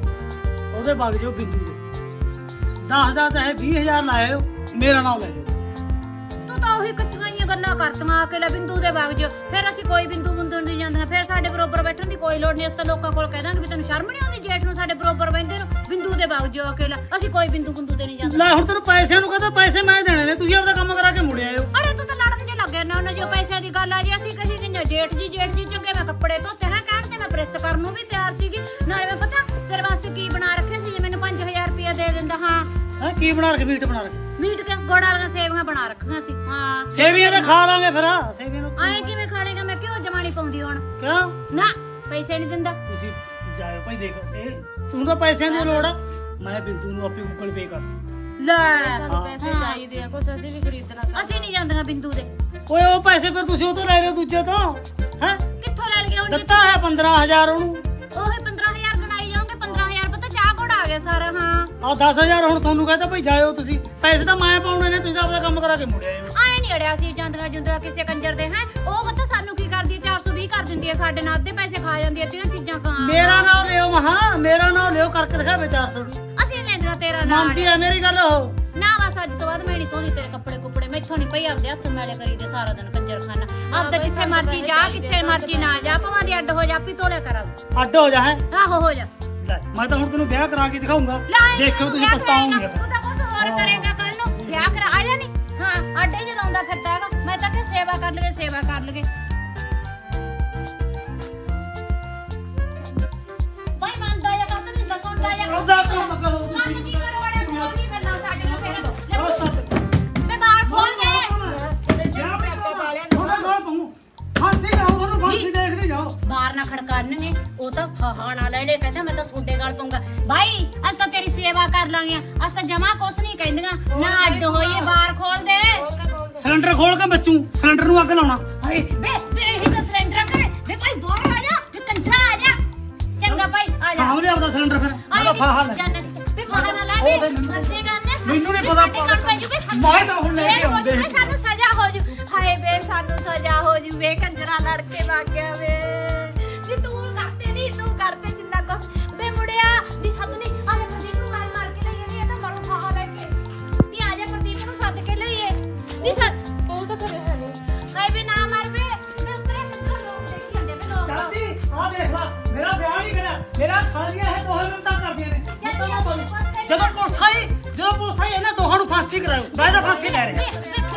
ਉਹਦੇ ਵਗ ਜਾਓ ਬਿੰਦੂ ਦੇ ਦਸ ਦਾ ਚਾਹੇ ਵੀਹ ਹਜ਼ਾਰ ਲਾਇਓ ਮੇਰਾ ਨਾਮ ਲੈ ਜਾਓ ਤੂੰ ਤਾਂ ਉਹੀ ਕੱਚੀਆਂ ਹੀ ਗੱਲਾਂ ਕਰਤੀਆਂ ਆ ਕੇ ਲੈ ਬਿੰਦੂ ਦੇ ਵਗ ਜਿਓ ਫਿਰ ਅਸੀਂ ਕੋਈ ਬਿੰਦੂ ਬੰਦੂ ਨਹੀਂ ਜਾਂਦੀਆਂ ਫਿਰ ਸਾਡੇ ਬਰੋਬਰ ਬੈਠਣ ਦੀ ਕੋਈ ਲੋੜ ਨਹੀਂ ਅਸੀਂ ਤਾਂ ਲੋਕਾਂ ਕੋਲ ਕਹਿ ਦਾਂਗੇ ਵੀ ਤੈਨੂੰ ਸ਼ਰਮ ਨਹੀਂ ਆਉਂਦੀ ਜੇਠ ਨੂੰ ਸਾਡੇ ਬਰੋਬਰ ਬੈਠਦੇ ਨੂੰ ਬਿੰਦੂ ਦੇ ਵਗ ਜਿਓ ਅਕੇਲਾ ਅਸੀਂ ਕੋਈ ਬਿੰਦੂ ਬੰਦੂ ਤੇ ਨਹੀਂ ਜਾਂਦੇ ਲੈ ਹੁਣ ਤੈਨੂੰ ਪੈਸਿਆਂ ਨੂੰ ਕਹਦਾ ਪੈਸੇ ਮੈਂ ਦੇਣੇ ਨੇ ਤੁਸੀਂ ਆਪਦਾ ਕੰਮ ਕਰਾ ਕੇ ਮੁੜ ਆਇਓ ਅਰੇ ਤੂੰ ਤਾਂ ਲੜਨ ਜੇ ਲੱਗਿਆ ਨਾ ਉਹਨਾਂ ਜੋ ਪੈਸਿਆਂ ਦੀ ਗੱਲ ਆ ਜੀ ਅਸੀਂ ਕਹੀ ਕਿ ਜੇਠ ਜੀ ਜੇਠ ਜੀ ਚੰਗੇ ਮੈਂ ਕੱਪੜੇ ਧੋਤੇ ਹੈ ਕਹਿਣ ਤੇ ਮੈਂ ਪ੍ਰੈਸ ਕਰਨ ਨੂੰ ਵੀ ਤਿਆਰ ਸੀਗੀ ਨਾਲੇ ਮੈਂ ਪਤਾ ਤੇਰੇ ਵਾਸਤੇ ਕੀ ਬਣਾ ਰੱਖਿਆ ਸੀ ਜੇ ਮੈਨੂੰ ਪੰਜ ਹਜ਼ਾਰ ਰੁਪਇਆ ਦੇ ਦਿੰਦਾ ਹਾਂ ਹੈ ਕੀ ਬਣਾ ਰੱਖ ਮੀਟ ਬਣਾ ਰੱਖ ਮੀਟ ਕੇ ਗੁੜ ਵਾਲੀਆਂ ਸੇਵੀਆਂ ਬਣਾ ਰੱਖੀਆਂ ਸੀ ਹਾਂ ਸੇਵੀਆਂ ਤਾਂ ਖਾ ਲਾਂਗੇ ਫਿਰ ਸੇਵੀਆਂ ਨੂੰ ਆਏ ਕਿਵੇਂ ਖਾ ਲੇਗਾ ਮੈਂ ਕਿਉਂ ਜਮਾਣੀ ਪਾਉਂਦੀ ਹੁਣ ਕਿਉਂ ਨਾ ਪੈਸੇ ਨਹੀਂ ਦਿੰਦਾ ਤੁਸੀਂ ਜਾਇਓ ਭਾਈ ਦੇਖ ਇਹ ਤੂੰ ਤਾਂ ਪੈਸਿਆਂ ਦੀ ਲੋੜ ਆ ਮੈਂ ਬਿੰਦੂ ਨੂੰ ਆਪੇ ਗੂਗਲ ਪੇ ਕਰ ਲੈ ਸਾਨੂੰ ਪੈਸੇ ਚਾਹੀਦੇ ਆ ਕੁਛ ਅਸੀਂ ਵੀ ਖਰੀਦਣਾ ਕਰ ਅਸੀਂ ਨਹੀਂ ਜਾਂਦੀਆਂ ਬਿੰਦੂ ਦੇ ਓਏ ਉਹ ਪੈਸੇ ਫਿਰ ਤੁਸੀਂ ਉਹ ਤੋਂ ਲੈ ਲਿਓ ਦੂਜੇ ਤੋਂ ਹੈ ਕਿੱਥੋਂ ਲੈ ਲਈਏ ਹੁਣ ਜੀ ਦਿੱਤਾ ਹੈ ਪੰਦਰਾਂ ਹਜ਼ਾਰ ਉਹਨੂੰ ਉਹੀ ਪੰਦਰਾਂ ਹਜ਼ਾਰ ਗਣਾਈ ਜਾਓਗੇ ਪੰਦਰਾਂ ਹਜ਼ਾਰ ਪਤਾ ਚਾਹ ਕੋੜ ਆ ਗਿਆ ਸਾਰਾ ਹਾਂ ਆ ਦਸ ਹਜ਼ਾਰ ਹੁਣ ਤੁਹਾਨੂੰ ਕਹਿੰਦਾ ਭਾਈ ਜਾਇਓ ਤੁਸੀਂ ਪੈਸੇ ਤਾਂ ਮੈਂ ਪਾਉਣੇ ਨੇ ਤੁਸੀਂ ਤਾਂ ਆਪਦਾ ਕੰਮ ਕਰਾ ਕੇ ਮੁੜ ਆਇਓ ਆਏ ਨਹੀਂ ਅੜਿਆ ਸੀ ਜਾਂਦੀਆਂ ਜੁੰਦੀਆਂ ਕਿਸੇ ਕੰਜਰ ਦੇ ਹੈ ਉਹ ਪਤਾ ਸਾਨੂੰ ਕੀ ਕਰਦੀ ਹੈ ਚਾਰ ਸੌ ਵੀਹ ਕਰ ਦਿੰਦੀ ਹੈ ਸਾਡੇ ਨਾਲ ਅੱਧੇ ਪੈਸੇ ਖਾ ਜਾਂਦੀ ਹੈ ਤੀਆਂ ਚੀਜ਼ਾਂ ਖਾ ਮੇਰਾ ਨਾਮ ਲਿਓ ਮਹਾ ਮੇਰਾ ਨਾਮ ਲਿਓ ਕਰਕੇ ਦਿਖਾਵੇ ਚਾਰ ਸੌ ਦੀ ਅਸੀਂ ਲੈਂਦਾ ਤੇਰਾ ਨਾਮ ਮੰਨਦੀ ਆ ਮੇਰੀ ਗੱਲ ਉਹ ਨਾ ਬਸ ਅੱਜ ਤੋਂ ਬਾਅਦ ਮੈਂ ਨਹੀਂ ਧੋਦੀ ਤੇਰੇ ਕੱਪੜੇ ਕੁੱਪੜੇ ਮੈਥੋਂ ਨਹੀਂ ਪਈ ਆਪਦੇ ਹੱਥ ਮੈਲੇ ਕਰੀਦੇ ਸਾਰਾ ਦਿਨ ਕੰਜਰ ਖਾਨਾ ਆਪਦਾ ਜਿੱਥੇ ਮਰਜੀ ਜਾ ਕਿੱਥੇ ਮਰਜੀ ਨਾ ਜਾ ਭਾਵੇਂ ਦੀ ਅੱਡ ਹੋ ਜਾ ਆਪੀ ਧੋਲਿਆ ਕਰ ਅੱਡ ਹੋ ਜਾ ਹੈ ਆਹੋ ਹੋ ਜਾ ਲੈ ਮੈਂ ਤਾਂ ਹੁਣ ਤੈਨੂੰ ਵਿਆਹ ਕਰਾ ਕੇ ਦਿਖਾਉਂਗਾ ਲੈ ਆਏਂ ਦੇਖਿਓ ਤੁਸੀਂ ਵਿਆਹ ਪਛਤਾਓਗੇ ਕਰਾਏਂਗਾ, ਤੂੰ ਤਾਂ ਕੁਛ ਹੋਰ ਕਰੇਗਾ ਕੱਲ ਨੂੰ ਵਿਆਹ ਕਰਾ ਆ ਜਾ ਨਹੀਂ ਹਾਂ ਆਡੇ ਚ ਲਾਉਂਦਾ ਫਿਰਦਾ ਹੈਗਾ ਮੈਂ ਤਾਂ ਕਿ ਸੇਵਾ ਕਰ ਲਗੇ ਸੇਵਾ ਕਰ ਲਗੇ ਬਾਈ ਮੰਨਦਾ ਜਾਂ ਕਰ ਤੂੰ ਦੱਸਦਾ ਜਾਂ ਉਹਦਾ ਕੰਮ ਕਰੋ ਕੰਮ ਤੁਸੀਂ ਕੀ ਕਰਵਾੜਿਆ ਕਿਉਂ ਨਹੀਂ ਕਰਨਾ ਸਾਡੇ ਨਾਲ ਫਿਰ ਉਹ ਸੱਤ ਮੈਂ ਬਾਹਰ ਖੋਲ ਦੇ ਉਹਦਾ ਗੋਲ ਪਾਉਂ ਫਾਂਸੀ ਲਾਓ ਉਹਨੂੰ ਫਾਂਸੀ ਦੇਖਦੇ ਜਾਓ ਬਾਹਰ ਨਾ ਖੜਕਾਨਗੇ ਉਹ ਤਾਂ ਫਹਾ ਨਾ ਲੈ ਲੈ ਕਹਿੰਦਾ ਮੈਂ ਤਾਂ ਸੋਡੇ ਗਲ ਪਾਉਂਗਾ ਭਾਈ ਅੱਜ ਤਾਂ ਤੇਰੀ ਸੇਵਾ ਕਰ ਲਾਂਗੇ ਅੱਜ ਤਾਂ ਜਮਾ ਕੁਛ ਨਹੀਂ ਕਹਿੰਦੀਆਂ ਨਾ ਅੱਡ ਹੋਈਏ ਬਾਹਰ ਖੋਲ ਦੇ ਸਿਲੰਡਰ ਖੋਲ ਕੇ ਬੱਚੂ ਸਿਲੰਡਰ ਨੂੰ ਅੱਗ ਲਾਉਣਾ ਹਾਏ ਵੇ ਵੇ ਇਹੀ ਤਾਂ ਸਿਲੰਡਰ ਕਰੇ ਵੇ ਭਾਈ ਬਾਹਰ ਆ ਜਾ ਵੇ ਕੰਜਰਾ ਆ ਜਾ ਚੰਗਾ ਭਾਈ ਆ ਜਾ ਸਾਹਮਣੇ ਆਪਦਾ ਸਿਲੰਡਰ ਫਿਰ ਉਹਦਾ ਫਾਹਾ ਲੈ ਵੇ ਫਹਾ ਨਾ ਲੈ ਵੇ ਮਰਜ਼ੀ ਕਰਨੇ ਮੈਨੂੰ ਨੀ ਪਤਾ ਮੈਂ ਤਾਂ ਹੁਣ ਲੈ ਕੇ ਆਉਂਦੇ ਸੀ। ਸਾਨੂੰ ਸਜ਼ਾ ਹੋ ਜੂ ਹਾਏ ਵੇ ਸਾਨੂੰ ਸਜ਼ਾ ਹੋ ਜੂ ਵੇ ਕੰਜਰਾ ਲੜ ਕੇ ਵਗ ਗਿਆ ਵੇ ਵੀ ਤੂੰ ਕਰਦੇ ਨਹੀਂ ਤੂੰ ਕਰਦੇ ਜਿੰਨਾ ਕੁਛ ਵੇ ਮੁੜਿਆ ਵੀ ਸਾਨੂੰ ਨਹੀਂ ਆ ਜਾ ਪ੍ਰਦੀਪ ਨੂੰ ਮਾਰ ਮਾਰ ਕੇ ਲਈਏ ਇਹ ਤਾਂ ਮਰੂ ਫਹਾ ਲੈ ਕੇ ਨਹੀਂ ਆ ਜਾ ਪ੍ਰਦੀਪ ਨੂੰ ਸੱਦ ਕੇ ਲਈਏ ਨਹੀਂ ਸੱਦ ਉਹ ਤਾਂ ਕਰੇ ਹੈ ਨਹੀਂ ਹਾਏ ਵੇ ਨਾ ਮਾਰ ਵੇ ਵੇ ਉਤਰੇ ਕਿੱਥੋਂ ਲੋਕ ਦੇਖੀ ਜਾਂਦੇ ਵੇ ਲੋਕ ਚਾਚੀ ਆ ਦੇਖ ਲੈ ਮੇਰਾ ਵਿਆਹ ਨਹੀਂ ਕਰਿਆ ਮੇਰਾ ਸਾਲੀਆਂ ਹੈ ਦੋਹੇ ਮਿੰਟਾਂ ਕਰਦੀਆਂ ਨੇ ਜਦੋਂ ਪੁਲਿਸ ਆਈ ਜਦੋਂ ਪੁਲਿਸ ਆਈ ਇਹਨਾਂ ਦੋਹਾਂ ਨੂੰ ਫਾਂਸੀ ਕਰਾਓ ਮੈਂ ਤਾਂ ਫਾਂਸੀ ਲੈ ਰਿਹਾ ਵੇ ਵੇ